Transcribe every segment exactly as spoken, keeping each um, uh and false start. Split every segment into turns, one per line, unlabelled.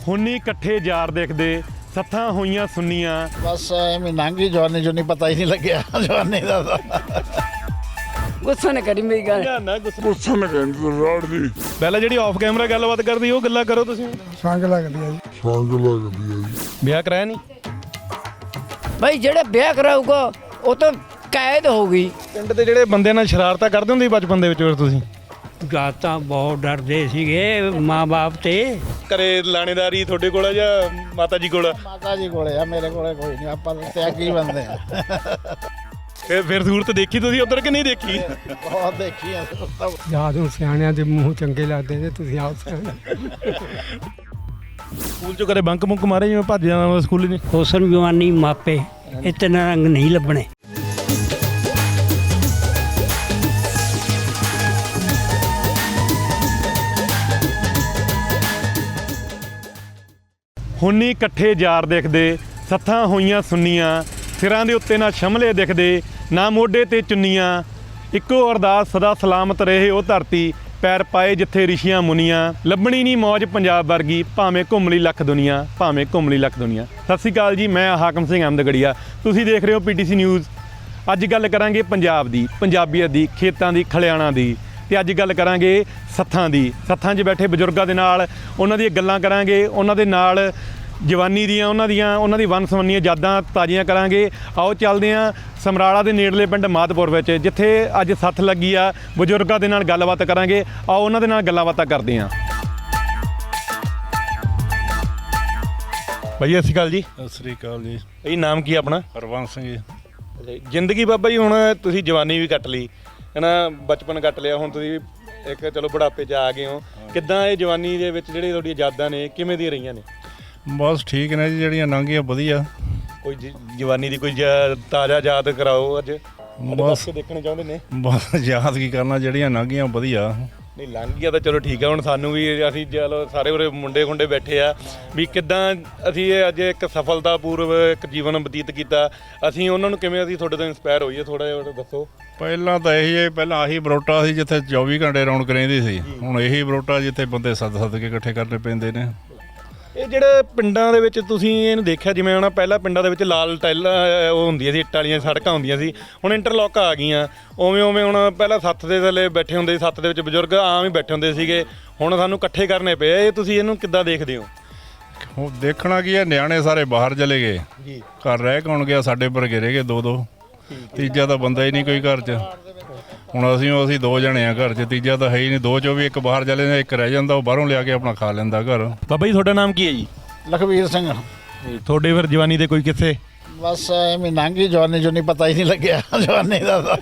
ਹੁਣੀ ਇਕੱਠੇ ਯਾਰ ਦੇਖਦੇ ਸੱਥਾਂ ਹੋਈਆਂ ਸੁੰਨੀਆਂ।
ਬਸ ਐਵੇਂ ਲੰਘੀ ਜਵਾਨੀ ਜੋ ਨਹੀਂ ਪਤਾ ਹੀ ਨਹੀਂ ਲੱਗਿਆ ਜਵਾਨੀ ਦਾ ਤਾਂ।
ਗੁੱਸਾ ਨਾ ਕਰੀ ਮੇਰੀ ਗੱਲ।
ਨਾ ਗੁੱਸਾ ਨਾ ਕਰੀ ਰੋੜ ਦੀ ਪਹਿਲਾਂ ਜਿਹੜੀ ਆਫ ਕੈਮਰਾ ਗੱਲਬਾਤ ਕਰਦੀ ਉਹ ਗੱਲਾਂ ਕਰੋ ਤੁਸੀਂ।
ਸੰਗ ਲੱਗਦੀ ਆ ਜੀ।
ਸੰਗ ਲੱਗਦੀ ਆ ਜੀ।
ਵਿਆਹ ਕਰਾਇਆ ਨਹੀਂ
ਭਾਈ ਜਿਹੜਾ ਵਿਆਹ ਕਰਾਊਗਾ ਉਹ ਤਾਂ ਕੈਦ ਹੋਊਗੀ।
ਪਿੰਡ ਦੇ ਜਿਹੜੇ ਬੰਦੇ ਨਾਲ ਸ਼ਰਾਰਤਾਂ ਕਰਦੇ ਹੁੰਦੇ ਸੀ ਬਚਪਨ ਦੇ ਵਿੱਚ ਫਿਰ ਤੁਸੀਂ?
ਗਾ ਤਾਂ ਬਹੁਤ ਡਰਦੇ ਸੀਗੇ ਮਾਂ-ਬਾਪ ਤੇ।
ਘਰੇ ਲਾਣੇਦਾਰੀ ਤੁਹਾਡੇ ਕੋਲ ਆ ਜਾਂ ਮਾਤਾ ਜੀ ਕੋਲ?
ਮਾਤਾ ਜੀ ਕੋਲੇ ਆ, ਮੇਰੇ ਕੋਲੇ ਕੋਈ ਨਹੀਂ। ਆਪਾਂ ਤਾਂ ਤਿਆਗੀ ਬੰਦੇ ਆ।
ਫਿਰ ਫਿਰ ਸੂਰਤ ਦੇਖੀ ਤੁਸੀਂ ਉਧਰ ਕਿ ਨਹੀਂ ਦੇਖੀ?
ਬਹੁਤ ਦੇਖੀ ਆ।
ਯਾਦ ਨੂੰ ਸਿਆਣਿਆਂ ਦੇ ਮੂੰਹ ਚੰਗੇ ਲੱਗਦੇ ਨੇ, ਤੁਸੀਂ ਆਪ ਸਿਆਣੇ।
ਸਕੂਲ ਚੋਂ ਕਦੇ ਬੰਕ ਮੁੰਕ ਮਾਰੇ ਜਿਵੇਂ ਭੱਜ ਜਾਣਾ ਸਕੂਲ ਨਹੀਂ?
ਹੁਸਨ ਜਵਾਨੀ ਮਾਪੇ ਇਤਨੇ ਰੰਗ ਨਹੀਂ ਲੱਭਣੇ।
ਹੁਣੀ ਇਕੱਠੇ ਯਾਰ ਦੇਖਦੇ ਸੱਥਾਂ ਹੋਈਆਂ ਸੁੰਨੀਆਂ। ਸਿਰਾਂ ਦੇ ਉੱਤੇ ਨਾ ਸ਼ਮਲੇ ਦਿਖਦੇ ਨਾ ਮੋਢੇ ਤੇ ਚੁੰਨੀਆਂ। ਇੱਕੋ ਅਰਦਾਸ ਸਦਾ ਸਲਾਮਤ ਰਹੇ ਉਹ ਧਰਤੀ, ਪੈਰ ਪਾਏ ਜਿੱਥੇ ਰਿਸ਼ੀਆਂ ਮੁਨੀਆਂ। ਲੱਭਣੀ ਨਹੀਂ ਮੌਜ ਪੰਜਾਬ ਵਰਗੀ, ਭਾਵੇਂ ਘੁੰਮ ਲਈ ਲੱਖ ਦੁਨੀਆ, ਭਾਵੇਂ ਘੁੰਮ ਲਈ ਲੱਖ ਦੁਨੀਆ। ਸਤਿ ਸ਼੍ਰੀ ਅਕਾਲ ਜੀ, ਮੈਂ ਹਾਕਮ ਸਿੰਘ ਅਹਿਮਦਗੜੀਆ। ਤੁਸੀਂ ਦੇਖ ਰਹੇ ਹੋ ਪੀਟੀਸੀ ਨਿਊਜ਼। ਅੱਜ ਗੱਲ ਕਰਾਂਗੇ ਪੰਜਾਬ ਦੀ, ਪੰਜਾਬੀਅਤ ਦੀ, ਖੇਤਾਂ ਦੀ, ਖਲਿਆਣਾ ਦੀ, ਤੇ ਅੱਜ ਗੱਲ ਕਰਾਂਗੇ ਸੱਥਾਂ ਦੀ। ਸੱਥਾਂ 'ਚ ਬੈਠੇ ਬਜ਼ੁਰਗਾਂ ਦੇ ਨਾਲ ਉਹਨਾਂ ਦੀਆਂ ਗੱਲਾਂ ਕਰਾਂਗੇ, ਉਹਨਾਂ ਦੇ ਨਾਲ ਜਵਾਨੀ ਦੀਆਂ ਉਹਨਾਂ ਦੀਆਂ ਉਹਨਾਂ ਦੀ ਵੰਨ ਸੁਵੰਨੀਆਂ ਯਾਦਾਂ ਤਾਜ਼ੀਆਂ ਕਰਾਂਗੇ। ਆਓ ਚੱਲਦੇ ਹਾਂ ਸਮਰਾਲਾ ਦੇ ਨੇੜਲੇ ਪਿੰਡ ਮਾਧਪੁਰ ਵਿੱਚ, ਜਿੱਥੇ ਅੱਜ ਸੱਥ ਲੱਗੀ ਆ। ਬਜ਼ੁਰਗਾਂ ਦੇ ਨਾਲ ਗੱਲਬਾਤ ਕਰਾਂਗੇ, ਆਓ ਉਹਨਾਂ ਦੇ ਨਾਲ ਗੱਲਾਂ ਬਾਤਾਂ ਕਰਦੇ ਹਾਂ। ਭਾਈ ਸਤਿ ਸ਼੍ਰੀ ਅਕਾਲ ਜੀ।
ਸਤਿ ਸ੍ਰੀ ਅਕਾਲ ਜੀ।
ਇਹ ਨਾਮ ਕੀ ਆਪਣਾ?
ਹਰਵੰਸ ਸਿੰਘ ਜੀ।
ਜ਼ਿੰਦਗੀ ਬਾਬਾ ਜੀ, ਹੁਣ ਤੁਸੀਂ ਜਵਾਨੀ ਵੀ ਕੱਟ ਲਈ ਹੈ ਨਾ, ਬਚਪਨ ਕੱਟ ਲਿਆ, ਹੁਣ ਤੁਸੀਂ ਇੱਕ ਚਲੋ ਬੁਢਾਪੇ 'ਚ ਆ ਗਏ ਹੋ। ਕਿੱਦਾਂ ਇਹ ਜਵਾਨੀ ਦੇ ਵਿੱਚ ਜਿਹੜੀ ਤੁਹਾਡੀਆਂ ਯਾਦਾਂ ਨੇ ਕਿਵੇਂ ਦੀਆਂ ਰਹੀਆਂ ਨੇ?
ਬਸ ਠੀਕ ਨੇ ਜੀ, ਜਿਹੜੀਆਂ ਲੰਘੀਆਂ ਵਧੀਆ।
ਕੋਈ ਜ- ਜਵਾਨੀ ਦੀ ਕੋਈ ਜ- ਤਾਜ਼ਾ ਯਾਦ ਕਰਾਓ ਅੱਜ।
ਬਸ
ਦੇਖਣੇ ਚਾਹੁੰਦੇ ਨੇ।
ਬਸ ਯਾਦ ਕੀ ਕਰਨਾ, ਜਿਹੜੀਆਂ ਲੰਘੀਆਂ ਵਧੀਆ।
ਨਹੀਂ ਲੰਘ ਗਿਆ ਤਾਂ ਚਲੋ ਠੀਕ ਆ। ਹੁਣ ਸਾਨੂੰ ਵੀ ਅਸੀਂ ਚਲੋ ਸਾਰੇ ਉਰੇ ਮੁੰਡੇ ਖੁੰਡੇ ਬੈਠੇ ਆ ਵੀ ਕਿੱਦਾਂ ਅਸੀਂ ਇਹ ਅੱਜ ਇੱਕ ਸਫਲਤਾਪੂਰਵ ਇੱਕ ਜੀਵਨ ਬਤੀਤ ਕੀਤਾ। ਅਸੀਂ ਉਹਨਾਂ ਨੂੰ ਕਿਵੇਂ ਅਸੀਂ ਤੁਹਾਡੇ ਤੋਂ ਇੰਸਪਾਇਰ ਹੋਈਏ, ਥੋੜ੍ਹਾ ਜਿਹਾ ਦੱਸੋ।
ਪਹਿਲਾਂ ਤਾਂ ਇਹੀ ਹੈ, ਪਹਿਲਾਂ ਆਹੀ ਬਰੋਟਾ ਸੀ ਜਿੱਥੇ ਚੌਵੀ ਘੰਟੇ ਰੌਣਕ ਰਹਿੰਦੀ ਸੀ। ਹੁਣ ਇਹੀ ਬਰੋਟਾ ਜਿੱਥੇ ਬੰਦੇ ਸੱਦ ਸੱਦ ਕੇ ਇਕੱਠੇ ਕਰਨੇ ਪੈਂਦੇ ਨੇ।
ਇਹ ਜਿਹੜੇ ਪਿੰਡਾਂ ਦੇ ਵਿੱਚ ਤੁਸੀਂ ਇਹਨੂੰ ਦੇਖਿਆ, ਜਿਵੇਂ ਹੁਣ ਪਹਿਲਾਂ ਪਿੰਡਾਂ ਦੇ ਵਿੱਚ ਲਾਲ ਟਾਈਲਾਂ ਉਹ ਹੁੰਦੀਆਂ ਸੀ, ਇੱਟਾਂ ਵਾਲੀਆਂ ਸੜਕਾਂ ਹੁੰਦੀਆਂ ਸੀ, ਹੁਣ ਇੰਟਰਲੋਕ ਆ ਗਈਆਂ। ਉਵੇਂ ਉਵੇਂ ਹੁਣ ਪਹਿਲਾਂ ਸੱਥ ਦੇ ਥੱਲੇ ਬੈਠੇ ਹੁੰਦੇ ਸੀ, ਸੱਥ ਦੇ ਵਿੱਚ ਬਜ਼ੁਰਗ ਆਮ ਹੀ ਬੈਠੇ ਹੁੰਦੇ ਸੀਗੇ, ਹੁਣ ਸਾਨੂੰ ਇਕੱਠੇ ਕਰਨੇ ਪਏ। ਇਹ ਤੁਸੀਂ ਇਹਨੂੰ ਕਿੱਦਾਂ ਦੇਖਦੇ ਹੋ?
ਉਹ ਦੇਖਣਾ ਕੀ ਹੈ, ਨਿਆਣੇ ਸਾਰੇ ਬਾਹਰ ਚਲੇ ਗਏ,
ਜੀ
ਘਰ ਰਹਿ ਕੌਣ ਗਿਆ? ਸਾਡੇ ਵਰਗੇ ਰਹਿ ਗਏ ਦੋ ਦੋ, ਤੀਜਾ ਤਾਂ ਬੰਦਾ ਹੀ ਨਹੀਂ ਕੋਈ ਘਰ 'ਚ। ਹੁਣ ਅਸੀਂ ਅਸੀਂ ਦੋ ਜਣੇ ਆ ਘਰ 'ਚ, ਤੀਜਾ ਤਾਂ ਹੈ ਹੀ ਨਹੀਂ। ਦੋ 'ਚੋਂ ਵੀ ਇੱਕ ਬਾਹਰ ਚਲੇ ਜਾਂਦਾ, ਇੱਕ ਰਹਿ ਜਾਂਦਾ, ਉਹ ਬਾਹਰੋਂ ਲਿਆ ਕੇ ਆਪਣਾ ਖਾ ਲੈਂਦਾ ਘਰ।
ਬਾਬਾ ਜੀ ਤੁਹਾਡਾ ਨਾਮ ਕੀ ਹੈ ਜੀ?
ਲਖਵੀਰ ਸਿੰਘ।
ਤੁਹਾਡੇ ਫਿਰ ਜਵਾਨੀ ਦੇ ਕੋਈ ਕਿੱਸੇ?
ਬਸ ਐਵੇਂ ਲੰਘੀ ਜਵਾਨੀ ਜੋ ਨਹੀਂ ਪਤਾ ਹੀ ਨਹੀਂ ਲੱਗਿਆ ਜਵਾਨੀ ਦਾ ਤਾਂ।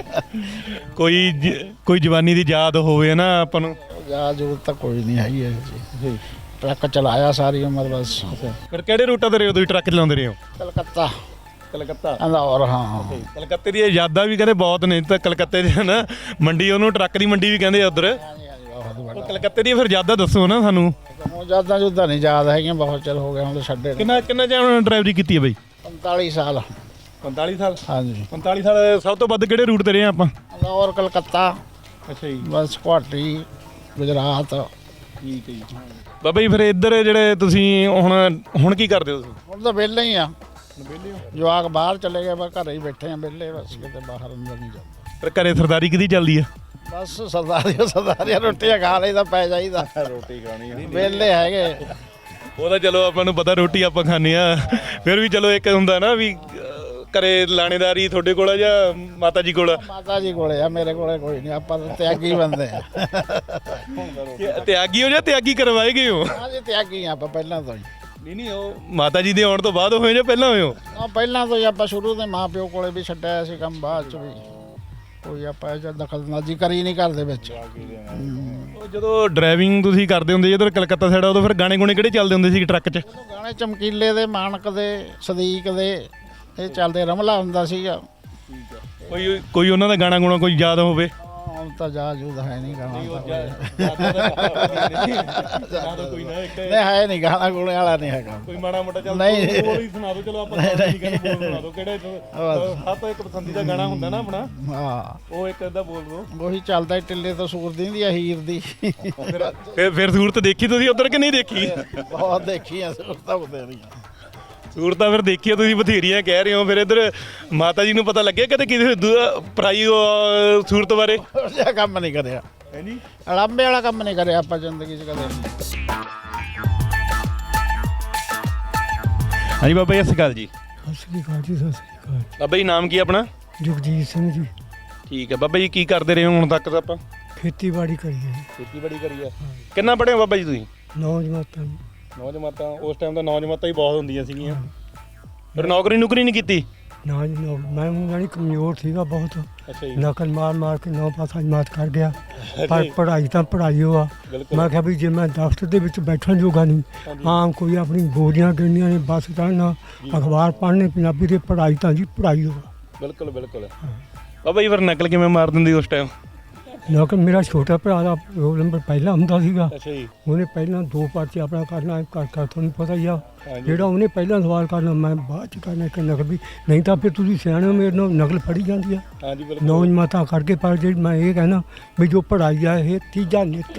ਕੋਈ ਜ- ਕੋਈ ਜਵਾਨੀ ਦੀ ਯਾਦ ਹੋਵੇ ਨਾ ਆਪਾਂ ਨੂੰ?
ਯਾਦ ਜ਼ਰੂਰ ਤਾਂ ਕੋਈ ਨਹੀਂ ਹੈਗੀ ਹੈ ਜੀ। ਟਰੱਕ ਚਲਾਇਆ ਸਾਰੀ ਉਮਰ ਬਸ।
ਫਿਰ ਕਿਹੜੇ ਰੂਟਾਂ ਤੇ ਰਹੇ ਹੋ ਤੁਸੀਂ, ਟਰੱਕ ਚਲਾਉਂਦੇ ਰਹੇ ਹੋ?
ਕਲਕੱਤਾ,
ਕਲਕੱਤਾ।
ਅੰਦੌਰ। ਹਾਂ
ਕਲਕੱਤੇ ਦੀਆਂ ਯਾਦਾਂ ਵੀ ਕਹਿੰਦੇ ਬਹੁਤ ਨੇ। ਤਾਂ ਕਲਕੱਤੇ ਦੇ ਨਾ ਮੰਡੀ, ਉਹਨੂੰ ਟਰੱਕ ਦੀ ਮੰਡੀ ਵੀ ਕਹਿੰਦੇ ਆ ਉੱਧਰ। ਉਹ ਕਲਕੱਤੇ ਦੀਆਂ ਫਿਰ ਯਾਦਾਂ ਦੱਸੋ ਨਾ ਸਾਨੂੰ।
ਉਹ ਯਾਦਾਂ ਜੁਦਾਂ ਨਹੀਂ ਯਾਦ ਹੈਗੀਆਂ, ਬਹੁਤ ਚਿਰ ਹੋ ਗਿਆ ਹੁਣ ਤਾਂ ਛੱਡੇ ਨੂੰ।
ਕਿੰਨਾ ਕਿੰਨਾ ਚਿਰ ਡਰਾਈਵਰੀ ਕੀਤੀ ਹੈ ਬਾਈ?
ਪੰਤਾਲੀ ਸਾਲ।
ਪੰਤਾਲੀ ਸਾਲ?
ਹਾਂਜੀ।
ਪੰਤਾਲੀ ਸਾਲ। ਸਭ ਤੋਂ ਵੱਧ ਕਿਹੜੇ ਰੂਟ ਤੇ ਰਹੇ ਆਪਾਂ?
ਅੰਦੌਰ, ਕਲਕੱਤਾ,
ਅੱਛਾ ਜੀ।
ਬਸ ਗੁਹਾਟੀ, ਗੁਜਰਾਤ।
ਠੀਕ ਹੈ ਜੀ। ਬਾਬਾ ਜੀ ਫਿਰ ਇੱਧਰ ਜਿਹੜੇ ਤੁਸੀਂ ਹੁਣ ਹੁਣ ਕੀ ਕਰਦੇ ਹੋ ਤੁਸੀਂ?
ਹੁਣ ਤਾਂ ਵਿਹਲੇ ਹੀ ਆ। ਜਵਾਕ ਬਾਹਰ ਚਲੇ ਗਏ, ਬਸ ਘਰੇ ਹੀ ਬੈਠੇ ਆ ਵਿਹਲੇ, ਬਸ ਕਿਤੇ ਬਾਹਰ ਅੰਦਰ ਨਹੀਂ ਜਾਂਦਾ।
ਫਿਰ ਘਰੇ ਸਰਦਾਰੀ ਕਿਹਦੀ ਚੱਲਦੀ ਆ?
ਬਸ ਸਰਦਾਰੀਆਂ ਸਰਦਾਰੀਆਂ ਰੋਟੀਆਂ ਖਾ ਲਈਦਾ, ਪੈ ਜਾਈਦਾ।
ਰੋਟੀ ਖਾਣੀ
ਵਿਹਲੇ ਹੈਗੇ।
ਉਹ ਤਾਂ ਚਲੋ ਆਪਾਂ ਨੂੰ ਪਤਾ ਰੋਟੀ ਆਪਾਂ ਖਾਂਦੇ ਆ, ਫਿਰ ਵੀ ਚਲੋ ਇੱਕ ਹੁੰਦਾ ਨਾ ਵੀ ਅਹ, ਘਰੇ ਲਾਣੇਦਾਰੀ ਤੁਹਾਡੇ ਕੋਲ ਆ ਜਾਂ ਮਾਤਾ ਜੀ ਕੋਲ?
ਮਾਤਾ ਜੀ ਕੋਲੇ ਆ, ਮੇਰੇ ਕੋਲੇ ਕੋਈ ਨਹੀਂ। ਆਪਾਂ ਤਾਂ ਤਿਆਗੀ ਬੰਦੇ ਆ।
ਤਿਆਗੀ ਹੋ ਜਾਂ ਤਿਆਗੀ ਕਰਵਾਏ ਗਏ ਹੋ?
ਹਾਂਜੀ ਤਿਆਗੀ ਆ ਆਪਾਂ ਪਹਿਲਾਂ ਤੋਂ ਹੀ।
ਨਹੀਂ ਨਹੀਂ, ਉਹ ਮਾਤਾ ਜੀ ਦੇ ਆਉਣ ਤੋਂ ਬਾਅਦ ਹੋਏ ਜਾਂ ਪਹਿਲਾਂ ਹੋਏ ਹੋ?
ਆ ਪਹਿਲਾਂ ਤੋਂ ਹੀ ਆਪਾਂ ਸ਼ੁਰੂ ਤੋਂ ਮਾਂ ਪਿਓ ਕੋਲੇ ਵੀ ਛੱਡਿਆ ਸੀ ਕੰਮ, ਬਾਅਦ ਚ ਵੀ ਕੋਈ ਆਪਾਂ ਇਹ 'ਚ ਦਖਲਅੰਦਾਜ਼ੀ ਕਰੀ ਨਹੀਂ ਘਰ ਦੇ ਵਿੱਚ।
ਉਹ ਜਦੋਂ ਡਰਾਈਵਿੰਗ ਤੁਸੀਂ ਕਰਦੇ ਹੁੰਦੇ ਜਦੋਂ ਕਲਕੱਤਾ ਸਾਈਡ, ਉਦੋਂ ਫਿਰ ਗਾਣੇ ਗੁਣੇ ਕਿਹੜੇ ਚੱਲਦੇ ਹੁੰਦੇ ਸੀ ਟਰੱਕ 'ਚ?
ਗਾਣੇ ਚਮਕੀਲੇ ਦੇ, ਮਾਨਕ ਦੇ, ਸਦੀਕ ਦੇ, ਇਹ ਚੱਲਦੇ। ਰਮਲਾ ਹੁੰਦਾ ਸੀਗਾ।
ਕੋਈ ਕੋਈ ਉਹਨਾਂ ਦਾ ਗਾਣਾ ਗੁਣਾ ਕੋਈ ਯਾਦ ਹੋਵੇ?
ਹੁਣ ਤਾਂ ਜਾ ਜੂਦ ਹੈ ਨਹੀਂ ਗਾਣਾ ਤਾਂ
ਕੋਈ ਨਾ ਇੱਕ
ਨਹੀਂ ਹੈ ਨਹੀਂ ਗਾਣਾ ਗੁਣੇ ਵਾਲਾ ਨਹੀਂ ਹੈਗਾ
ਕੋਈ ਮਾੜਾ ਮੋਟਾ ਚੱਲ
ਨਹੀਂ।
ਬੋਲ ਹੀ ਸੁਣਾ ਦਿਓ ਚਲੋ ਆਪਾਂ ਨਹੀਂ ਕਹਿੰਦੇ ਬੋਲ ਸੁਣਾ ਦਿਓ ਕਿਹੜੇ ਹੱਥ ਇੱਕ ਪਸੰਦੀਦਾ ਗਾਣਾ ਹੁੰਦਾ ਨਾ ਆਪਣਾ
ਹਾਂ
ਉਹ ਇੱਕ ਅੱਧਾ ਬੋਲ ਦਿਓ
ਉਹੀ ਚੱਲਦਾ ਟਿੱਲੇ ਤੋਂ ਸੂਰ ਦੀ ਆ ਹੀਰ ਦੀ
ਫਿਰ ਫਿਰ ਸੂਰਤ ਦੇਖੀ ਤੁਸੀਂ ਉਧਰ ਕਿ ਨਹੀਂ ਦੇਖੀ
ਬਹੁਤ ਦੇਖੀ ਆ ਸੂਰਤਾਂ ਬਥੇਰੀਆਂ
ਸੂਰਤਾਂ ਫਿਰ ਦੇਖੀ ਆ ਤੁਸੀਂ ਬਥੇਰੀਆਂ ਕਹਿ ਰਹੇ ਹੋ ਫਿਰ ਇੱਧਰ ਮਾਤਾ ਜੀ ਨੂੰ ਪਤਾ ਲੱਗਿਆ ਕਦੇ ਕਿਸੇ ਦੂ- ਪਰਾਈ ਅਹ, ਸੂਰਤ ਬਾਰੇ
ਉਹ ਜਿਹਾ ਕੰਮ ਨਹੀਂ ਕਰਿਆ
ਹੈ ਨਹੀਂ
ਅੜੰਬੇ ਵਾਲਾ ਕੰਮ ਨਹੀਂ ਕਰਿਆ ਆਪਾਂ ਜ਼ਿੰਦਗੀ 'ਚ ਕਦੇ
ਹਾਂਜੀ ਬਾਬਾ ਜੀ ਸਤਿ ਸ਼੍ਰੀ ਅਕਾਲ ਜੀ
ਸਤਿ ਸ੍ਰੀ ਅਕਾਲ ਜੀ, ਸਤਿ ਸ੍ਰੀ ਅਕਾਲ।
ਬਾਬਾ ਜੀ ਨਾਮ ਕੀ ਆਪਣਾ
ਜਗਜੀਤ ਸਿੰਘ ਜੀ,
ਠੀਕ ਹੈ ਬਾਬਾ ਜੀ ਕੀ ਕਰਦੇ ਰਹੇ ਹੋ ਹੁਣ ਤੱਕ ਤਾਂ ਆਪਾਂ
ਖੇਤੀਬਾੜੀ ਕਰੀਏ ਜੀ।
ਖੇਤੀਬਾੜੀ ਕਰੀ ਆ ਕਿੰਨਾ ਪੜ੍ਹੇ ਹੋ ਬਾਬਾ ਜੀ ਤੁਸੀਂ
ਨੌ ਜਮਾਤਾਂ ਜੀ।
ਨੌ ਜਮਾਤਾਂ ਉਸ ਟਾਈਮ ਤਾਂ ਨੌ ਜਮਾਤਾਂ ਹੀ ਬਹੁਤ ਹੁੰਦੀਆਂ ਸੀਗੀਆਂ ਫਿਰ ਨੌਕਰੀ ਨੌਕਰੀ ਨਹੀਂ ਕੀਤੀ
ਨਾ ਜੀ ਨੌ ਮੈਂ ਊਂ ਜਾਣੀ ਕਮਜ਼ੋਰ ਸੀਗਾ ਬਹੁਤ,
ਅੱਛਾ ਜੀ
ਨਕਲ ਮਾਰ ਮਾਰ ਕੇ ਨੌ ਪਾਸਾ ਜਮਾਤ ਕਰ ਗਿਆ। ਪਰ ਪੜ੍ਹਾਈ ਤਾਂ ਪੜ੍ਹਾਈ ਓ ਆ।
ਬਿਲਕੁਲ
ਮੈਂ ਕਿਹਾ ਵੀ ਜੇ ਮੈਂ ਦਫ਼ਤਰ ਦੇ ਵਿੱਚ ਬੈਠਣ ਜੋਗਾ ਨਹੀਂ, ਆਮ ਕੋਈ ਆਪਣੀ ਬੋਰੀਆਂ ਗਿਣਨੀਆਂ ਨੇ, ਬੱਸ ਚੜ੍ਹਨਾ, ਅਖਬਾਰ ਪੜ੍ਹਨੇ, ਪੰਜਾਬੀ ਦੀ ਪੜ੍ਹਾਈ ਤਾਂ ਜੀ ਪੜ੍ਹਾਈ ਓ ਆ।
ਬਿਲਕੁਲ ਬਿਲਕੁਲ ਬਾਬਾ ਜੀ ਫਿਰ ਨਕਲ ਕਿਵੇਂ ਮਾਰ ਦਿੰਦੀ ਉਸ ਟਾਈਮ
ਨਕਲ ਮੇਰਾ ਛੋਟਾ ਭਰਾ ਦਾ ਰੋਲ ਨੰਬਰ ਪਹਿਲਾਂ ਹੁੰਦਾ ਸੀਗਾ।
ਅੱਛਾ ਜੀ
ਉਹਨੇ ਪਹਿਲਾਂ ਦੋ ਪਰਚੇ ਆਪਣਾ ਕਰਨਾ, ਕਰ ਕਰ ਤੁਹਾਨੂੰ ਪਤਾ ਹੀ ਆ।
ਹਾਂਜੀ।
ਜਿਹੜਾ ਉਹਨੇ ਪਹਿਲਾਂ ਸਵਾਲ ਕਰਨਾ ਮੈਂ ਬਾਅਦ ਚ ਕਰਨਾ ਇੱਕ ਨਕਲ ਵੀ, ਨਹੀਂ ਤਾਂ ਫਿਰ ਤੁਸੀਂ ਸਿਆਣੇ ਹੋ, ਮੇਰੇ ਨਾਲ ਨਕਲ ਫੜੀ ਜਾਂਦੀ ਆ।
ਹਾਂਜੀ ਬਿਲਕੁਲ
ਨੌ ਜਮਾਤਾਂ ਕਰਕੇ ਪਰ ਜਿਹੜੀ ਮੈਂ ਇਹ ਕਹਿਣਾ ਵੀ ਜੋ ਪੜ੍ਹਾਈ ਆ ਇਹ ਤੀਜਾ ਨੇਤਰ।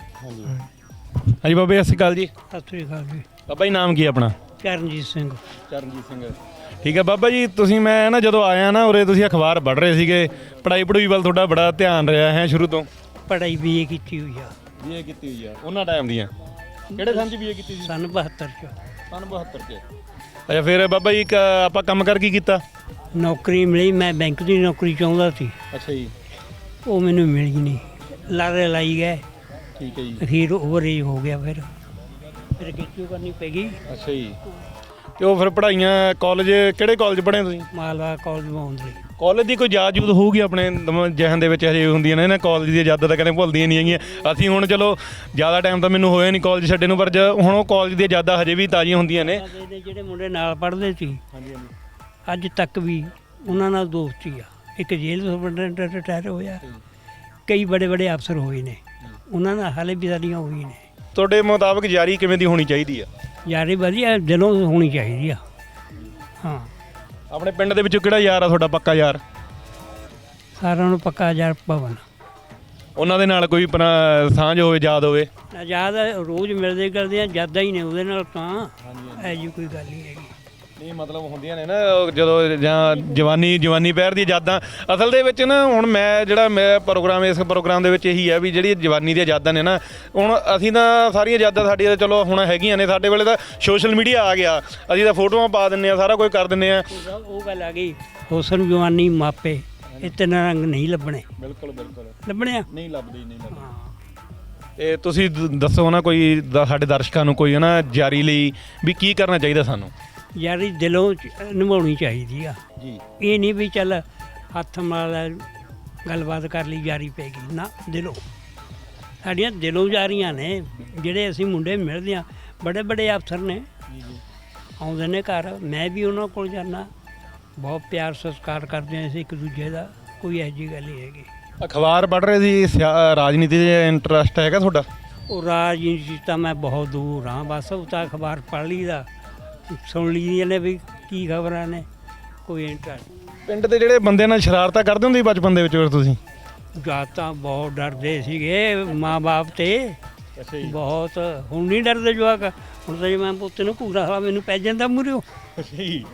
ਹਾਂਜੀ ਬਾਬਾ ਜੀ ਸਤਿ ਸ਼੍ਰੀ ਅਕਾਲ ਜੀ
ਸਤਿ ਸ੍ਰੀ ਅਕਾਲ ਜੀ।
ਬਾਬਾ ਜੀ ਨਾਮ ਕੀ ਆਪਣਾ
ਚਰਨਜੀਤ ਸਿੰਘ।
ਚਰਨਜੀਤ ਸਿੰਘ ਠੀਕ ਹੈ ਬਾਬਾ ਜੀ ਤੁਸੀਂ ਮੈਂ ਨਾ ਜਦੋਂ ਆਇਆ ਨਾ ਉਰੇ ਤੁਸੀਂ ਅਖਬਾਰ ਪੜ੍ਹ ਰਹੇ ਸੀਗੇ ਪੜ੍ਹਾਈ ਪੜੂਈ ਵੱਲ ਤੁਹਾਡਾ ਬੜਾ ਧਿਆਨ ਰਿਹਾ ਹੈ ਸ਼ੁਰੂ ਤੋਂ
ਪੜ੍ਹਾਈ ਵੀ ਇਹ ਕੀਤੀ ਹੋਈ ਆ
ਬੀਏ ਕੀਤੀ ਹੋਈ ਆ ਉਹਨਾਂ ਟਾਈਮ ਦੀਆਂ ਕਿਹੜੇ ਸੰਨ ਚ ਬੀਏ ਕੀਤੀ ਸੀ
ਸੰਨ ਬਹੱਤਰ ਚ।
ਸੰਨ ਬਹੱਤਰ ਚ ਅੱਛਾ ਫਿਰ ਬਾਬਾ ਜੀ ਕ- ਆਪਾਂ ਕੰਮ ਕਰ ਕੀ ਕੀਤਾ
ਨੌਕਰੀ ਮਿਲੀ, ਮੈਂ ਬੈਂਕ ਦੀ ਨੌਕਰੀ ਚਾਹੁੰਦਾ ਸੀ,
ਅੱਛਾ ਜੀ
ਉਹ ਮੈਨੂੰ ਮਿਲੀ ਨਹੀਂ। ਲਾਰੇ ਲਾਈ ਗਏ,
ਠੀਕ ਹੈ ਜੀ
ਅਖੀਰ ਓਵਰਏਜ ਹੋ ਗਿਆ। ਫਿਰ ਫਿਰ ਕਿਉਂ ਕਰਨੀ ਪੈ ਗਈ।
ਅੱਛਾ ਜੀ ਤੇ ਉਹ ਫਿਰ ਪੜ੍ਹਾਈਆਂ ਕਾਲਜ ਕਿਹੜੇ ਕਾਲਜ ਪੜ੍ਹੇ ਤੁਸੀਂ
ਮਾਲਵਾ ਕਾਲਜ ਮੌਂਦਲੀ।
ਕਾਲਜ ਦੀ ਕੋਈ ਯਾਦ ਯੂਦ ਹੋਊਗੀ ਆਪਣੇ ਦਮ- ਜ਼ਿਹਨ ਦੇ ਵਿੱਚ ਹਜੇ ਹੁੰਦੀਆਂ ਨੇ ਨਾ ਕਾਲਜ ਦੀਆਂ ਯਾਦਾਂ ਤਾਂ ਕਦੇ ਭੁੱਲਦੀਆਂ ਨਹੀਂ ਹੈਗੀਆਂ ਅਸੀਂ ਹੁਣ ਚਲੋ ਜ਼ਿਆਦਾ ਟਾਈਮ ਤਾਂ ਮੈਨੂੰ ਹੋਇਆ ਨਹੀਂ ਕਾਲਜ ਛੱਡੇ ਨੂੰ ਪਰ ਜ- ਹੁਣ ਉਹ ਕਾਲਜ ਦੀਆਂ ਯਾਦਾਂ ਹਜੇ ਵੀ ਤਾਜ਼ੀਆਂ ਹੁੰਦੀਆਂ ਨੇ
ਸਾਡੇ ਜਿਹੜੇ ਮੁੰਡੇ ਨਾਲ ਪੜ੍ਹਦੇ ਸੀ
ਹਾਂਜੀ ਹਾਂਜੀ
ਅੱਜ ਤੱਕ ਵੀ ਉਹਨਾਂ ਨਾਲ ਦੋਸਤੀ ਆ। ਇੱਕ ਜੇਲ੍ਹ ਸੁਪਰਡੈਂਟ ਰਿਟਾਇਰ ਹੋਇਆ, ਕਈ ਬੜੇ ਬੜੇ ਅਫਸਰ ਹੋਏ ਨੇ, ਉਹਨਾਂ ਨਾਲ ਹਾਲੇ ਵੀ ਸਾਡੀਆਂ ਹੋਈ ਨੇ।
ਤੁਹਾਡੇ ਮੁਤਾਬਕ ਯਾਰੀ ਕਿਵੇਂ ਦੀ ਹੋਣੀ ਚਾਹੀਦੀ ਆ
ਯਾਰੀ ਵਧੀਆ ਦਿਲੋਂ ਹੋਣੀ ਚਾਹੀਦੀ ਆ। ਹਾਂ
ਆਪਣੇ ਪਿੰਡ ਦੇ ਵਿੱਚੋਂ ਕਿਹੜਾ ਯਾਰ ਆ ਤੁਹਾਡਾ ਪੱਕਾ ਯਾਰ
ਸਾਰਿਆਂ ਨੂੰ ਪੱਕਾ ਯਾਰ ਭਵਨ
ਉਹਨਾਂ ਦੇ ਨਾਲ ਕੋਈ ਆਪਣਾ ਸਾਂਝ ਹੋਵੇ ਯਾਦ ਹੋਵੇ
ਆਜ਼ਾਦ ਰੋਜ਼ ਮਿਲਦੇ ਕਰਦੇ ਆ, ਜ਼ਿਆਦਾ ਹੀ ਨੇ ਉਹਦੇ ਨਾਲ ਤਾਂ ਐ ਜੀ ਕੋਈ ਗੱਲ ਨਹੀਂ ਹੈਗੀ।
ਨਹੀਂ ਮਤਲਬ ਹੁੰਦੀਆਂ ਨੇ ਨਾ ਉਹ ਜਦੋਂ ਜਾਂ ਜਵਾਨੀ ਜਵਾਨੀ ਪਹਿਰ ਦੀ ਯਾਦਾਂ ਅਸਲ ਦੇ ਵਿੱਚ ਨਾ ਹੁਣ ਮੈਂ ਜਿਹੜਾ ਮੈਂ ਪ੍ਰੋਗਰਾਮ ਇਸ ਪ੍ਰੋਗਰਾਮ ਦੇ ਵਿੱਚ ਇਹੀ ਹੈ ਵੀ ਜਿਹੜੀ ਜਵਾਨੀ ਦੀਆਂ ਯਾਦਾਂ ਨੇ ਨਾ ਹੁਣ ਅਸੀਂ ਤਾਂ ਸਾਰੀਆਂ ਯਾਦਾਂ ਸਾਡੀਆਂ ਚਲੋ ਹੁਣ ਹੈਗੀਆਂ ਨੇ ਸਾਡੇ ਵੇਲੇ ਤਾਂ ਸੋਸ਼ਲ ਮੀਡੀਆ ਆ ਗਿਆ ਅਸੀਂ ਤਾਂ ਫੋਟੋਆਂ ਪਾ ਦਿੰਦੇ ਆ ਸਾਰਾ ਕੁਝ ਕਰ ਦਿੰਦੇ ਆ
ਉਹ ਗੱਲ ਆ ਗਈ ਹੁਸਨ ਜਵਾਨੀ ਮਾਪੇ ਇਹ ਤਿੰਨ ਰੰਗ ਨਹੀਂ ਲੱਭਣੇ।
ਬਿਲਕੁਲ ਬਿਲਕੁਲ
ਲੱਭਣੇ ਆ
ਨਹੀਂ ਲੱਭਦੇ ਨਹੀਂ ਲੱਭਦੇ
ਹਾਂ।
ਤੇ ਤੁਸੀਂ ਦ- ਦੱਸੋ ਨਾ ਕੋਈ ਦ- ਸਾਡੇ ਦਰਸ਼ਕਾਂ ਨੂੰ ਕੋਈ ਨਾ ਜਾਰੀ ਲਈ ਵੀ ਕੀ ਕਰਨਾ ਚਾਹੀਦਾ ਸਾਨੂੰ
ਯਾਰੀ ਦਿਲੋਂ ਚ- ਨਿਭਾਉਣੀ ਚਾਹੀਦੀ ਆ।
ਜੀ
ਇਹ ਨਹੀਂ ਵੀ ਚੱਲ ਹੱਥ ਨਾਲ ਗੱਲਬਾਤ ਕਰ ਲਈ ਯਾਰੀ ਪੈ ਗਈ ਨਾ, ਦਿਲੋਂ ਸਾਡੀਆਂ ਦਿਲੋਂ ਯਾਰੀਆਂ ਨੇ। ਜਿਹੜੇ ਅਸੀਂ ਮੁੰਡੇ ਮਿਲਦੇ ਆ ਬੜੇ ਬੜੇ ਅਫਸਰ ਨੇ ਆਉਂਦੇ ਨੇ ਘਰ, ਮੈਂ ਵੀ ਉਹਨਾਂ ਕੋਲ ਜਾਂਦਾ, ਬਹੁਤ ਪਿਆਰ ਸਤਿਕਾਰ ਕਰਦੇ ਹਾਂ ਅਸੀਂ ਇੱਕ ਦੂਜੇ ਦਾ, ਕੋਈ ਇਹੋ ਜਿਹੀ ਗੱਲ ਨਹੀਂ ਹੈਗੀ।
ਅਖਬਾਰ ਪੜ੍ਹ ਰਹੇ ਸੀ ਸਿਆ- ਰਾਜਨੀਤੀ ਦੇ ਇੰਟਰਸਟ ਹੈਗਾ ਤੁਹਾਡਾ
ਉਹ ਰਾਜਨੀਤੀ ਤਾਂ ਮੈਂ ਬਹੁਤ ਦੂਰ ਹਾਂ, ਬਸ ਉਹ ਤਾਂ ਅਖਬਾਰ ਪੜ੍ਹ ਲਈਦਾ, ਸੁਣ ਲਈਦੀਆਂ ਨੇ ਵੀ ਕੀ ਖਬਰਾਂ ਨੇ, ਕੋਈ ਇੰਟਰਸਟ।
ਪਿੰਡ ਦੇ ਜਿਹੜੇ ਬੰਦੇ ਨਾਲ ਸ਼ਰਾਰਤਾਂ ਕਰਦੇ ਹੁੰਦੇ ਸੀ ਬਚਪਨ ਦੇ ਵਿੱਚ ਫਿਰ ਤੁਸੀਂ
ਜਾਂ ਤਾਂ ਬਹੁਤ ਡਰਦੇ ਸੀਗੇ ਮਾਂ-ਬਾਪ ਤੇ,
ਅੱਛਾ
ਬਹੁਤ। ਹੁਣ ਨਹੀਂ ਡਰਦੇ ਜਵਾਕ, ਹੁਣ ਤਾਂ ਜੇ ਮੈਂ ਪੁੱਤ ਨੂੰ ਪੂਰਾ ਸਾਲਾ ਮੈਨੂੰ ਪੈ ਜਾਂਦਾ ਮੂਹਰਿਓ,
ਅੱਛਾ ਜੀ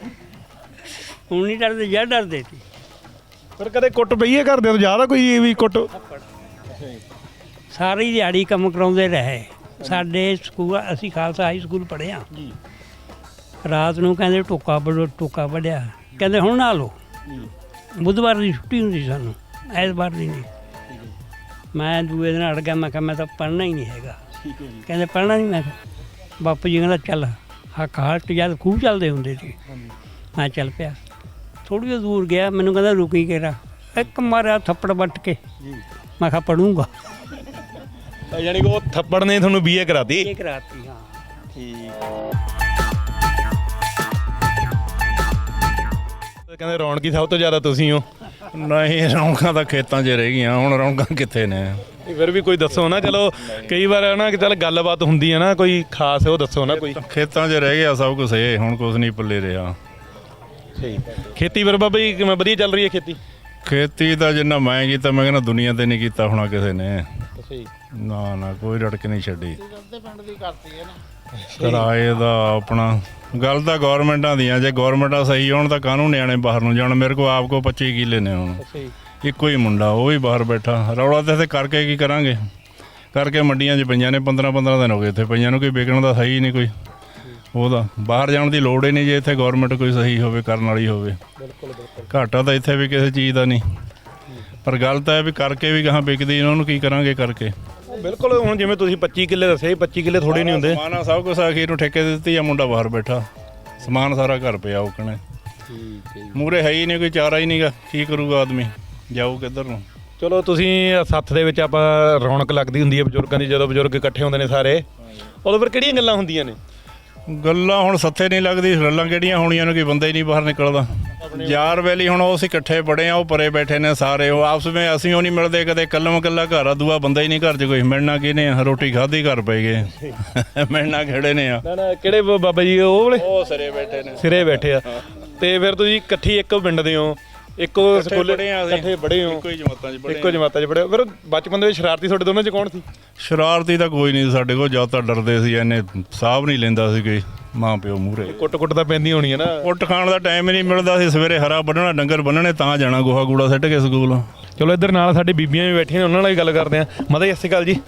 ਹੁਣ ਨਹੀਂ ਡਰਦੇ, ਜਾਂ ਡਰਦੇ ਸੀ।
ਫਿਰ ਕਦੇ ਕੁੱਟ ਪਈਏ ਘਰ ਦੇ ਤੋਂ ਜ਼ਿਆਦਾ ਕੋਈ ਵੀ ਕੁੱਟ
ਸਾਰੀ ਦਿਹਾੜੀ ਕੰਮ ਕਰਾਉਂਦੇ ਰਹੇ। ਸਾਡੇ ਸਕੂਲ ਅਸੀਂ ਖਾਲਸਾ ਹਾਈ ਸਕੂਲ ਪੜ੍ਹੇ
ਜੀ
ਰਾਤ ਨੂੰ ਕਹਿੰਦੇ ਟੋਕਾ ਵੱਢੋ, ਟੋਕਾ ਵੱਢਿਆ, ਕਹਿੰਦੇ ਹੁਣ ਨਾ ਲਓ। ਬੁੱਧਵਾਰ ਦੀ ਛੁੱਟੀ ਹੁੰਦੀ ਸਾਨੂੰ, ਐਤਵਾਰ ਦੀ ਨਹੀਂ। ਮੈਂ ਦੂਏ ਦਿਨ ਅੜ ਗਿਆ, ਮੈਂ ਕਿਹਾ ਮੈਂ ਤਾਂ ਪੜ੍ਹਨਾ ਹੀ ਨਹੀਂ ਹੈਗਾ।
ਠੀਕ ਹੈ ਜੀ
ਕਹਿੰਦੇ ਪੜ੍ਹਨਾ ਨਹੀਂ, ਮੈਂ ਕਿਹਾ ਬਾਪੂ ਜੀ ਕਹਿੰਦਾ ਚੱਲ ਹੱਕ ਹਾਲਟ ਜਦ ਖੂਹ ਚੱਲਦੇ ਹੁੰਦੇ ਸੀ, ਮੈਂ ਚੱਲ ਪਿਆ। ਥੋੜ੍ਹੀ ਦੂਰ ਗਿਆ, ਮੈਨੂੰ ਕਹਿੰਦਾ ਰੁਕੀ ਕੇਰਾ, ਇੱਕ ਮਾਰਿਆ ਥੱਪੜ ਵੱਟ ਕੇ, ਮੈਂ ਕਿਹਾ ਪੜੂੰਗਾ।
ਯਾਨੀ ਕਿ ਉਹ ਥੱਪੜ ਨੇ ਤੁਹਾਨੂੰ ਬੀਏ ਕਰਾਤੀ
ਇਹ ਕਰਾਤੀ ਹਾਂ।
ਠੀਕ ਕਹਿੰਦੇ ਰੌਣਕੀ ਸਭ ਤੋਂ ਜ਼ਿਆਦਾ ਤੁਸੀਂ ਹੋ
ਨਹੀਂ ਰੌਣਕਾਂ ਤਾਂ ਖੇਤਾਂ 'ਚ ਰਹਿ ਗਈਆਂ, ਹੁਣ ਰੌਣਕਾਂ ਕਿੱਥੇ ਨੇ।
ਫਿਰ ਵੀ ਕੋਈ ਦੱਸੋ ਨਾ, ਚਲੋ ਕਈ ਵਾਰ ਹੈ ਨਾ ਕਿ ਚੱਲ ਗੱਲਬਾਤ ਹੁੰਦੀ ਹੈ ਨਾ, ਕੋਈ ਖਾਸ ਉਹ ਦੱਸੋ ਨਾ ਕੋਈ।
ਖੇਤਾਂ 'ਚ ਰਹਿ ਗਿਆ ਸਭ ਕੁਝ, ਇਹ ਹੁਣ ਕੁਝ ਨਹੀਂ ਪੱਲੇ ਰਿਹਾ।
ਖੇਤੀ ਫਿਰ ਬਾਬਾ ਜੀ ਕਿਵੇਂ ਵਧੀਆ ਚੱਲ ਰਹੀ ਹੈ ਖੇਤੀ?
ਖੇਤੀ ਦਾ ਜਿੰਨਾ ਮੈਂ ਕੀਤਾ ਮੈਂ ਕਹਿੰਦਾ ਦੁਨੀਆ ਤੇ ਨਹੀਂ ਕੀਤਾ ਹੋਣਾ ਕਿਸੇ ਨੇ।
ਅੱਛਾ ਜੀ।
ਨਾ ਨਾ ਕੋਈ ਰੜਕ ਨਹੀਂ ਛੱਡੀ।
ਅੱਧੇ ਪਿੰਡ ਦੀ ਕਰਤੀ ਹੈ ਨਾ
ਕਿਰਾਏ ਦਾ ਆਪਣਾ ਗੱਲ ਤਾਂ ਗੌਰਮੈਂਟਾਂ ਦੀਆਂ, ਜੇ ਗੌਰਮੈਂਟਾਂ ਸਹੀ ਹੋਣ ਤਾਂ ਕਾਹਨੂੰ ਨਿਆਣੇ ਬਾਹਰ ਨੂੰ ਜਾਣ। ਮੇਰੇ ਕੋਲ ਆਪ ਕੋ ਪੱਚੀ ਕਿੱਲੇ ਨੇ ਹੁਣ, ਇੱਕੋ ਹੀ ਮੁੰਡਾ ਉਹ ਵੀ ਬਾਹਰ ਬੈਠਾ। ਰੌਲਾ ਤੇ ਇੱਥੇ ਕਰਕੇ ਕੀ ਕਰਾਂਗੇ, ਕਰਕੇ ਮੰਡੀਆਂ 'ਚ ਪਈਆਂ ਨੇ, ਪੰਦਰਾਂ ਪੰਦਰਾਂ ਦਿਨ ਹੋ ਗਏ ਇੱਥੇ ਪਈਆਂ ਨੂੰ, ਕੋਈ ਵਿਕਣ ਦਾ ਸਹੀ ਨਹੀਂ ਕੋਈ। ਉਹਦਾ ਬਾਹਰ ਜਾਣ ਦੀ ਲੋੜ ਹੀ ਨਹੀਂ ਜੇ ਇੱਥੇ ਗੌਰਮੈਂਟ ਕੋਈ ਸਹੀ ਹੋਵੇ, ਕਰਨ ਵਾਲੀ ਹੋਵੇ। ਘਾਟਾ ਤਾਂ ਇੱਥੇ ਵੀ ਕਿਸੇ ਚੀਜ਼ ਦਾ ਨਹੀਂ, ਪਰ ਗੱਲ ਤਾਂ ਇਹ ਵੀ ਕਰਕੇ ਵੀ ਗਾਹਾਂ ਵਿਕਦੀ ਇਹਨਾਂ ਨੂੰ ਕੀ ਕਰਾਂਗੇ ਕਰਕੇ।
ਬਿਲਕੁਲ, ਹੁਣ ਜਿਵੇਂ ਤੁਸੀਂ ਪੱਚੀ ਕਿੱਲੇ ਦੱਸੇ, ਪੱਚੀ ਕਿੱਲੇ ਥੋੜੇ ਨਹੀਂ ਹੁੰਦੇ।
ਸਮਾਨ ਸਭ ਕੁਛ ਅਖੀਰ ਨੂੰ ਠੇਕੇ ਦੇ ਦਿੱਤੀ ਆ, ਮੁੰਡਾ ਬਾਹਰ ਬੈਠਾ, ਸਮਾਨ ਸਾਰਾ ਘਰ ਪਿਆ ਉਕਣੇ। ਮੂਰੇ ਹੈ ਹੀ ਨਹੀਂ ਕੋਈ, ਚਾਰਾ ਹੀ ਨਹੀਂਗਾ, ਕੀ ਕਰੂਗਾ ਆਦਮੀ, ਜਾਊ ਕਿੱਧਰ ਨੂੰ।
ਚਲੋ ਤੁਸੀਂ ਸੱਥ ਦੇ ਵਿੱਚ ਆਪਾਂ ਰੌਣਕ ਲੱਗਦੀ ਹੁੰਦੀ ਹੈ ਬਜ਼ੁਰਗਾਂ ਦੀ, ਜਦੋਂ ਬਜ਼ੁਰਗ ਇਕੱਠੇ ਹੁੰਦੇ ਨੇ ਸਾਰੇ, ਉਦੋਂ ਫਿਰ ਕਿਹੜੀਆਂ ਗੱਲਾਂ ਹੁੰਦੀਆਂ ਨੇ?
ਗੱਲਾਂ ਹੁਣ ਸੱਥੇ ਨਹੀਂ ਲੱਗਦੀ, ਗੱਲਾਂ ਕਿਹੜੀਆਂ ਹੋਣੀਆਂ ਨੇ, ਕੋਈ ਬੰਦਾ ਹੀ ਨਹੀਂ ਬਾਹਰ ਨਿਕਲਦਾ। ਯਾਰ ਵੈਲੀ ਹੁਣ ਉਹ ਅਸੀਂ ਇਕੱਠੇ ਬੜੇ ਆ, ਉਹ ਪਰੇ ਬੈਠੇ ਨੇ ਸਾਰੇ, ਉਹ ਆਪਸ ਵਿੱਚ ਅਸੀਂ ਉਹ ਨਹੀਂ ਮਿਲਦੇ, ਕਦੇ ਕੱਲਮ ਕੱਲਾ ਘਰ ਆ, ਦੂਆ ਬੰਦਾ ਹੀ ਨਹੀਂ ਘਰ 'ਚ ਕੋਈ। ਮਿਲਣਾ ਕਿਹਨੇ ਆ, ਰੋਟੀ ਖਾਧੀ ਘਰ ਪੈ ਗਏ, ਮਿਲਣਾ ਕਿਹੜੇ ਨੇ ਆ।
ਨਾ ਨਾ ਕਿਹੜੇ ਬਾਬਾ ਜੀ ਉਹ ਵਾਲੇ?
ਉਹ ਸਿਰੇ ਬੈਠੇ ਨੇ,
ਸਿਰੇ ਬੈਠੇ ਆ। ਤੇ ਫਿਰ ਤੁਸੀਂ ਇਕੱਠੀ ਇੱਕ ਪਿੰਡ ਦੇ ਹੋ, ਇੱਕੋ ਸਕੂਲੇ
ਪੜ੍ਹੇ ਆ ਅਸੀਂ,
ਇਕੱਠੇ ਪੜ੍ਹੇ ਹੋ,
ਇੱਕੋ ਹੀ ਜਮਾਤਾਂ 'ਚ ਪੜ੍ਹੇ।
ਇੱਕੋ ਜਮਾਤਾਂ 'ਚ ਪੜ੍ਹੇ ਹੋ। ਫਿਰ ਬਚਪਨ ਦੇ ਵਿੱਚ ਸ਼ਰਾਰਤੀ ਤੁਹਾਡੇ ਦੋਨਾਂ 'ਚ ਕੌਣ ਸੀ?
ਸ਼ਰਾਰਤੀ ਤਾਂ ਕੋਈ ਨਹੀਂ ਸਾਡੇ ਕੋਲ, ਜਾਂ ਤਾਂ ਡਰਦੇ ਸੀ, ਇਹਨੇ ਸਾਹਬ ਨਹੀਂ ਲੈਂਦਾ ਸੀ ਕੋਈ ਮਾਂ ਪਿਓ ਮੂਹਰੇ।
ਕੁੱਟ ਕੁੱਟ ਤਾਂ ਪੈਂਦੀ ਹੋਣੀ ਹੈ ਨਾ।
ਉੱਟ ਖਾਣ ਦਾ ਟਾਈਮ ਹੀ ਨਹੀਂ ਮਿਲਦਾ ਸੀ, ਸਵੇਰੇ ਹਰਾ ਵੱਢਣਾ, ਡੰਗਰ ਬੰਨਣੇ, ਤਾਂ ਜਾਣਾ ਗੋਹਾ ਗੂੜਾ ਸਿੱਟ ਕੇ ਸਕੂਲ।
ਚਲੋ ਇੱਧਰ ਨਾਲ ਸਾਡੇ ਬੀਬੀਆਂ ਵੀ ਬੈਠੀਆਂ ਨੇ, ਉਹਨਾਂ ਨਾਲ ਹੀ ਗੱਲ ਕਰਦੇ ਆ। ਮਾਤਾ ਜੀ ਸਤਿ ਸ਼੍ਰੀ ਅਕਾਲ ਜੀ।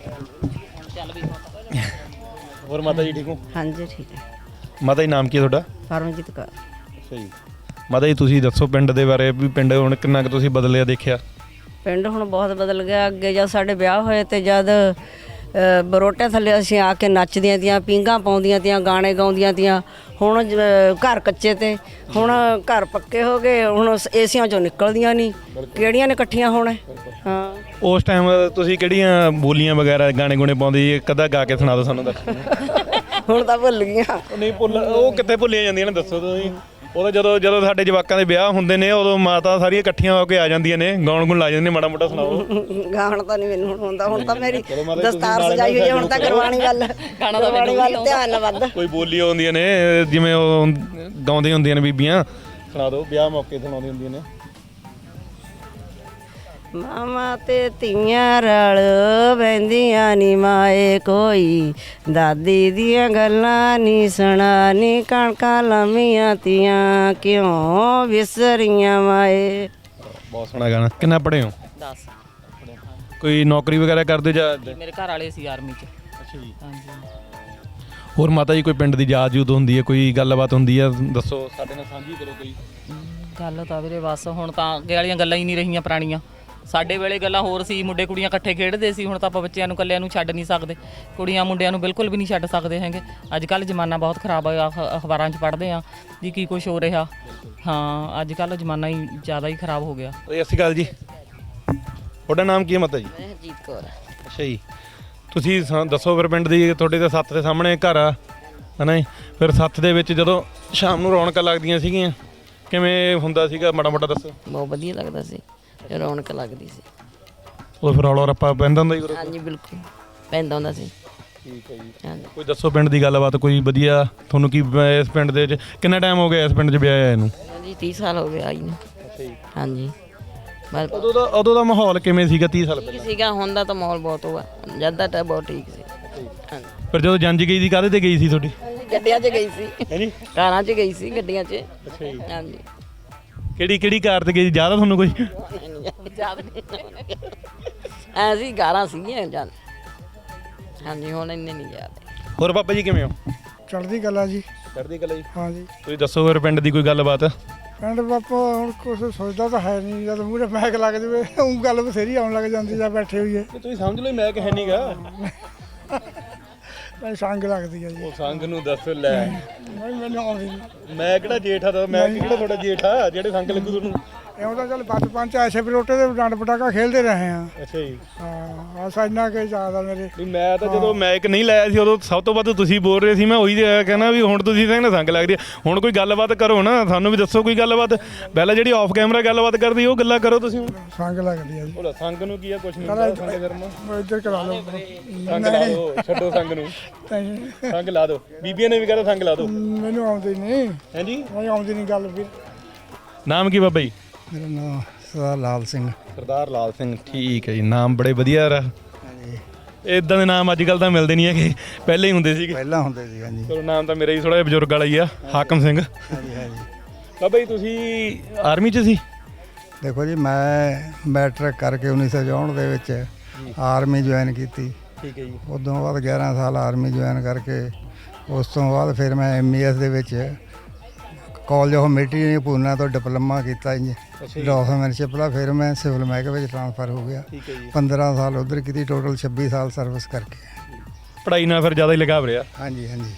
ਹੋਰ ਮਾਤਾ ਜੀ ਠੀਕ ਹੋ?
ਹਾਂਜੀ ਠੀਕ ਹੈ।
ਮਾਤਾ ਜੀ ਨਾਮ ਕੀ ਹੈ ਤੁਹਾਡਾ?
ਪਰਮਜੀਤ ਕੌਰ।
ਅੱਛਾ ਜੀ। ਮਾਤਾ ਜੀ ਤੁਸੀਂ ਦੱਸੋ ਪਿੰਡ ਦੇ ਬਾਰੇ, ਵੀ ਪਿੰਡ ਹੁਣ ਕਿੰਨਾ ਕੁ ਤੁਸੀਂ ਬਦਲਿਆ ਦੇਖਿਆ?
ਪਿੰਡ ਹੁਣ ਬਹੁਤ ਬਦਲ ਗਿਆ। ਅੱਗੇ ਜਦ ਸਾਡੇ ਵਿਆਹ ਹੋਏ ਤੇ ਜਦ ਅ, ਬਰੋਟੇ ਥੱਲੇ ਅਸੀਂ ਆ ਕੇ ਨੱਚਦੀਆਂ ਤੀਆਂ, ਪੀਂਘਾਂ ਪਾਉਂਦੀਆਂ ਤੀਆਂ, ਗਾਣੇ ਗਾਉਂਦੀਆਂ ਤੀਆਂ। ਹੁਣ ਜ- ਘਰ ਕੱਚੇ ਤੇ ਹੁਣ ਘਰ ਪੱਕੇ ਹੋ ਗਏ, ਹੁਣ ਏਸੀਆਂ ਚੋਂ ਨਿਕਲਦੀਆਂ ਨਹੀਂ, ਕਿਹੜੀਆਂ ਨੇ ਇਕੱਠੀਆਂ ਹੋਣਾ। ਹਾਂ
ਉਸ ਟਾਈਮ ਤੁਸੀਂ ਕਿਹੜੀਆਂ ਬੋਲੀਆਂ ਵਗੈਰਾ ਗਾਣੇ ਗੁਣੇ ਪਾਉਂਦੇ ਜੀ? ਇੱਕ ਅੱਧਾ ਗਾ ਕੇ ਸੁਣਾ ਦਿਓ ਸਾਨੂੰ। ਦੱਸ
ਹੁਣ ਤਾਂ ਭੁੱਲ ਗਈਆਂ।
ਨਹੀਂ ਭੁੱਲ, ਉਹ ਕਿੱਥੇ ਭੁੱਲੀਆਂ ਜਾਂਦੀਆਂ ਨੇ, ਦੱਸੋ ਤੁਸੀਂ। ਉਹਦਾ ਜਦੋਂ ਜਦੋਂ ਸਾਡੇ ਜਵਾਕਾਂ ਦੇ ਵਿਆਹ ਹੁੰਦੇ ਨੇ, ਉਦੋਂ ਮਾਤਾ ਸਾਰੀਆਂ ਇਕੱਠੀਆਂ ਹੋ ਕੇ ਆ ਜਾਂਦੀਆਂ ਨੇ, ਗਾਉਣ ਗੁਣ ਲਾ ਜਾਂਦੀਆਂ ਨੇ। ਮਾੜਾ ਮੋਟਾ ਸੁਣਾਓ।
ਗਾਣ ਤਾਂ ਨਹੀਂ ਮੈਨੂੰ ਹੁਣ ਹੁੰਦਾ, ਹੁਣ ਤਾਂ ਮੇਰੀ ਦਸਤਾਰ ਸਜਾਈ ਹੋਈ ਹੈ, ਹੁਣ ਤਾਂ ਕਰਵਾਣੀ ਵੱਲ ਕਰਵਾਣੀ ਵੱਲ ਧਿਆਨ ਨਾ ਵੱਧ।
ਕੋਈ ਬੋਲੀ ਆਉਂਦੀਆਂ ਨੇ ਜਿਵੇਂ ਉਹ ਗਾਉਂਦੀਆਂ ਹੁੰਦੀਆਂ ਨੇ ਬੀਬੀਆਂ, ਸੁਣਾ ਦਿਓ। ਵਿਆਹ ਮੌਕੇ ਸੁਣਾਉਂਦੀਆਂ ਹੁੰਦੀਆਂ ਨੇ।
ਮਾਮਾ ਤੇ ਧੀਆਂ ਰਲ ਬਹਿੰਦੀਆਂ ਨੀ ਮਾਏ, ਕੋਈ ਦਾਦੀ ਦੀਆਂ ਗੱਲਾਂ ਨੀ ਸੁਣਾ ਨੀ, ਕਣਕਾਂ ਲੰਮੀਆਂ ਤੀਆਂ ਕਿਉਂ ਵਿਸਰੀਆਂ ਮਾਏ।
ਬਹੁਤ ਸੋਹਣਾ ਗਾਣਾ। ਕਿੰਨਾ ਪੜ੍ਹੇ ਹੋ?
ਦਸ।
ਕੋਈ ਨੌਕਰੀ ਵਗੈਰਾ ਕਰਦੇ ਜਾਂ?
ਮੇਰੇ ਘਰ ਵਾਲੇ ਸੀ ਆਰਮੀ ਚ।
ਅੱਛਾ ਜੀ।
ਹਾਂਜੀ।
ਹੋਰ ਮਾਤਾ ਜੀ ਕੋਈ ਪਿੰਡ ਦੀ ਯਾਦ ਯੂਦ ਹੁੰਦੀ ਹੈ, ਕੋਈ ਗੱਲਬਾਤ ਹੁੰਦੀ ਹੈ, ਦੱਸੋ ਸਾਡੇ ਨਾਲ ਸਾਂਝੀ ਕਰੋ ਕੋਈ।
ਗੱਲ ਤਾਂ ਵੀਰੇ ਬਸ ਹੁਣ ਤਾਂ ਅੱਗੇ ਵਾਲੀਆਂ ਗੱਲਾਂ ਹੀ ਨਹੀਂ ਰਹੀਆਂ ਪੁਰਾਣੀਆਂ। ਸਾਡੇ ਵੇਲੇ ਗੱਲਾਂ ਹੋਰ ਸੀ, ਮੁੰਡੇ ਕੁੜੀਆਂ ਇਕੱਠੇ ਖੇਡਦੇ ਸੀ। ਹੁਣ ਤਾਂ ਆਪਾਂ ਬੱਚਿਆਂ ਨੂੰ ਇਕੱਲਿਆਂ ਨੂੰ ਛੱਡ ਨਹੀਂ ਸਕਦੇ, ਕੁੜੀਆਂ ਮੁੰਡਿਆਂ ਨੂੰ ਬਿਲਕੁਲ ਵੀ ਨਹੀਂ ਛੱਡ ਸਕਦੇ ਹੈਗੇ। ਅੱਜ ਕੱਲ੍ਹ ਜ਼ਮਾਨਾ ਬਹੁਤ ਖਰਾਬ ਹੋਇਆ, ਅਖ- ਅਖਬਾਰਾਂ 'ਚ ਪੜ੍ਹਦੇ ਆ ਜੀ ਕੀ ਕੁਛ ਹੋ ਰਿਹਾ। ਹਾਂ ਅੱਜ ਕੱਲ੍ਹ ਜ਼ਮਾਨਾ ਹੀ ਜ਼ਿਆਦਾ ਹੀ ਖਰਾਬ ਹੋ ਗਿਆ।
ਸਤਿ ਸ਼੍ਰੀ ਅਕਾਲ ਜੀ। ਤੁਹਾਡਾ ਨਾਮ ਕੀ ਹੈ ਮਾਤਾ ਜੀ?
ਹਰਜੀਤ ਕੌਰ।
ਅੱਛਾ ਜੀ। ਤੁਸੀਂ ਸਾ- ਦੱਸੋ ਫਿਰ ਪਿੰਡ ਦੀ, ਤੁਹਾਡੇ ਤਾਂ ਸੱਥ ਦੇ ਸਾਹਮਣੇ ਘਰ ਆ ਹੈ ਨਾ ਜੀ, ਫਿਰ ਸੱਥ ਦੇ ਵਿੱਚ ਜਦੋਂ ਸ਼ਾਮ ਨੂੰ ਰੌਣਕਾਂ ਲੱਗਦੀਆਂ ਸੀਗੀਆਂ, ਕਿਵੇਂ ਹੁੰਦਾ ਸੀਗਾ, ਮਾੜਾ ਮੋਟਾ ਦੱਸੋ।
ਬਹੁਤ ਵਧੀਆ ਲੱਗਦਾ ਸੀ, ਰੌਣਕ ਲੱਗਦੀ ਸੀ।
ਉਹ ਫਿਰ ਰੌਲਾ ਰੱਪਾ ਪੈਂਦਾ ਹੁੰਦਾ ਜੀ?
ਹਾਂਜੀ ਬਿਲਕੁਲ ਪੈਂਦਾ ਹੁੰਦਾ ਸੀ।
ਠੀਕ ਹੈ ਜੀ।
ਹਾਂਜੀ
ਕੋਈ ਦੱਸੋ ਪਿੰਡ ਦੀ ਗੱਲਬਾਤ ਕੋਈ ਵਧੀਆ ਤੁਹਾਨੂੰ। ਕੀ ਇਸ ਪਿੰਡ ਦੇ ਵਿੱਚ ਕਿੰਨਾ ਟਾਈਮ ਹੋ ਗਿਆ ਇਸ ਪਿੰਡ 'ਚ ਵਿਆਹ ਆਇਆ ਇਹਨੂੰ?
ਜੀ ਤੀਹ ਸਾਲ ਹੋ ਗਏ ਆਈ ਨੂੰ।
ਅੱਛਾ ਜੀ।
ਹਾਂਜੀ ਬਸ
ਉਦੋਂ ਦਾ ਉਦੋਂ ਦਾ ਮਾਹੌਲ ਕਿਵੇਂ ਸੀਗਾ ਤੀਹ ਸਾਲ
ਠੀਕ
ਪਹਿਲਾਂ?
ਸੀਗਾ, ਹੁਣ ਦਾ ਤਾਂ ਮਾਹੌਲ ਬਹੁਤ ਹੋਆ, ਜਦ ਦਾ ਤਾਂ ਬਹੁਤ ਠੀਕ ਸੀ। ਹਾਂਜੀ
ਫਿਰ ਜਦੋਂ ਜੰਜ ਗਈ ਸੀ ਕਾਹਦੇ ਤੇ ਗਈ ਸੀ ਤੁਹਾਡੀ?
ਗੱਡੀਆਂ 'ਚ ਗਈ ਸੀ,
ਹੈ ਜੀ।
ਕਾਰਾਂ 'ਚ ਗਈ ਸੀ, ਗੱਡੀਆਂ 'ਚ।
ਅੱਛਾ ਜੀ।
ਹਾਂਜੀ
ਕਿਹੜੀ ਕਿਹੜੀ ਕਾਰ ਤੇ ਗਈ ਸੀ, ਯਾਦ ਆ ਤੁਹਾਨੂੰ ਕੋਈ?
ਯਾਦ ਨਹੀਂ ਐ ਸੀ, ਕਾਰਾਂ ਸੀਗੀਆਂ ਜਦ। ਹਾਂਜੀ ਹੁਣ ਇੰਨੇ ਨਹੀਂ ਯਾਦ।
ਹੋਰ ਬਾਬਾ ਜੀ ਕਿਵੇਂ ਹੋ?
ਚੜ੍ਹਦੀ ਕਲਾ ਜੀ।
ਚੜ੍ਹਦੀ ਕਲਾ ਜੀ।
ਹਾਂ ਜੀ।
ਤੁਸੀਂ ਦੱਸੋ ਫਿਰ ਪਿੰਡ ਦੀ ਕੋਈ ਗੱਲਬਾਤ।
ਪਿੰਡ ਬਾਪਾ ਹੁਣ ਕੁਛ ਸੋਚਦਾ ਤਾਂ ਹੈ ਨਹੀਂ, ਜਦ ਮੂਹਰੇ ਮੈਕ ਲੱਗ ਜਾਵੇ ਉਹ ਗੱਲ ਬਥੇਰੀ ਆਉਣ ਲੱਗ ਜਾਂਦੀ ਜਾਂ ਬੈਠੇ ਹੋਈਏ।
ਤੁਸੀਂ ਸਮਝ ਲਓ ਮੈਂ ਕਿ ਹੈ ਨਹੀਂਗਾ।
ਮੈਨੂੰ ਸੰਗ ਲੱਗਦੀ ਹੈ ਜੀ।
ਉਹ ਸੰਗ ਨੂੰ ਦੱਸ ਲੈ।
ਨਹੀਂ ਮੈਨੂੰ ਆਉਂਦੀ ਨਹੀਂ।
ਮੈਂ ਕਿਹੜਾ ਜੇਠ ਆ, ਤਾਂ ਮੈਂ ਕਿਹੜਾ ਤੁਹਾਡਾ ਜੇਠ ਆ ਜਿਹੜੇ ਸੰਗ ਲੱਗੂ ਤੁਹਾਨੂੰ?
ਇਉਂ ਤਾਂ ਚੱਲ ਬਚਪਨ ਚ ਐਸੇ ਬਰੋਟੇ ਦੇ ਡੰਡ ਪਟਾਕਾ ਖੇਡਦੇ ਰਹੇ ਆ।
ਅੱਛਾ ਜੀ।
ਹਾਂ ਬਸ ਇੰਨਾ ਕਿ ਯਾਦ ਆ ਮੇਰੇ।
ਨਹੀਂ ਮੈਂ ਤਾਂ ਜਦੋਂ ਮੈਕ ਨਹੀਂ ਲਾਇਆ ਸੀ ਉਦੋਂ ਸਭ ਤੋਂ ਵੱਧ ਤੁਸੀਂ ਬੋਲ ਰਹੇ ਸੀ, ਮੈਂ ਉਹੀ ਕਹਿੰਦਾ ਵੀ ਹੁਣ ਤੁਸੀਂ ਕਹਿੰਦੇ ਸੰਗ ਲੱਗਦੀ ਆ। ਹੁਣ ਕੋਈ ਗੱਲਬਾਤ ਕਰੋ ਨਾ, ਸਾਨੂੰ ਵੀ ਦੱਸੋ ਕੋਈ ਗੱਲਬਾਤ। ਪਹਿਲਾਂ ਜਿਹੜੀ ਆਫ ਕੈਮਰਾ ਗੱਲਬਾਤ ਕਰਦੀ ਉਹ ਗੱਲਾਂ ਕਰੋ ਤੁਸੀਂ। ਹੁਣ
ਸੰਗ ਲੱਗਦੀ ਆ ਜੀ।
ਉਹ ਸੰਗ ਨੂੰ ਕੀ ਆ, ਕੁਛ ਨਹੀਂ ਹੁੰਦਾ ਸੰਗ ਕਰਨਾ।
ਮੈਂ ਇੱਧਰ ਕਰਾ ਲਓ।
ਸੰਗ ਲਾ ਦਿਓ, ਛੱਡੋ ਸੰਗ ਨੂੰ, ਸੰਗ ਲਾ ਦਿਓ। ਬੀਬੀਆਂ ਨੇ ਵੀ ਕਹਿੰਦਾ ਸੰਗ ਲਾ ਦਿਓ।
ਮੈਨੂੰ ਆਉਂਦੀ ਨਹੀਂ।
ਹਾਂਜੀ
ਨਹੀਂ ਆਉਂਦੀ ਨਹੀਂ ਗੱਲ ਵੀਰ।
ਨਾਮ ਕੀ ਬਾਬਾ ਜੀ?
ਮੇਰਾ ਨਾਮ ਸਰਦਾਰ ਲਾਲ ਸਿੰਘ।
ਸਰਦਾਰ ਲਾਲ ਸਿੰਘ, ਠੀਕ ਹੈ ਜੀ। ਨਾਮ ਬੜੇ ਵਧੀਆ ਯਾਰ। ਇਦਾਂ ਦੇ ਨਾਮ ਅੱਜ ਕੱਲ੍ਹ ਤਾਂ ਮਿਲਦੇ ਨਹੀਂ ਹੈਗੇ, ਪਹਿਲੇ ਹੀ ਹੁੰਦੇ ਸੀਗੇ।
ਪਹਿਲਾਂ ਹੁੰਦੇ ਸੀ ਹਾਂਜੀ।
ਚਲੋ ਨਾਮ ਤਾਂ ਮੇਰਾ ਹੀ ਥੋੜਾ ਜਿਹਾ ਬਜ਼ੁਰਗ ਵਾਲਾ ਹੀ ਆ, ਹਾਕਮ ਸਿੰਘ।
ਹਾਂਜੀ ਹਾਂਜੀ।
ਬਾਬਾ ਜੀ ਤੁਸੀਂ ਆਰਮੀ 'ਚ ਸੀ?
ਦੇਖੋ ਜੀ ਮੈਂ ਮੈਟ੍ਰਿਕ ਕਰਕੇ ਉੱਨੀ ਸੌ ਚੌਂਹਠ ਦੇ ਵਿੱਚ ਆਰਮੀ ਜੁਆਇਨ ਕੀਤੀ।
ਠੀਕ ਹੈ ਜੀ।
ਉਦੋਂ ਬਾਅਦ ਗਿਆਰਾਂ ਸਾਲ ਆਰਮੀ ਜੁਆਇਨ ਕਰਕੇ ਉਸ ਤੋਂ ਬਾਅਦ ਫਿਰ ਮੈਂ ਐਮ ਈ ਐਸ ਦੇ ਵਿੱਚ ਕਾਲਜ ਆਫ ਮਿਲਟਰੀ ਪੂਨਾ ਤੋਂ ਡਿਪਲੋਮਾ ਕੀਤਾ ਜੀ ਡਾਕੂਮੈਂਟਸ਼ਿਪ ਦਾ। ਫਿਰ ਮੈਂ ਸਿਵਲ ਮਹਿਕਮੇ ਵਿੱਚ ਟ੍ਰਾਂਸਫਰ ਹੋ ਗਿਆ।
ਠੀਕ ਹੈ ਜੀ।
ਪੰਦਰਾਂ ਸਾਲ ਉੱਧਰ ਕੀਤੀ, ਟੋਟਲ ਛੱਬੀ ਸਾਲ ਸਰਵਿਸ ਕਰਕੇ।
ਪੜ੍ਹਾਈ ਨਾਲ ਫਿਰ ਜ਼ਿਆਦਾ ਹੀ ਲਗਾਵ ਰਿਹਾ।
ਹਾਂਜੀ ਹਾਂਜੀ।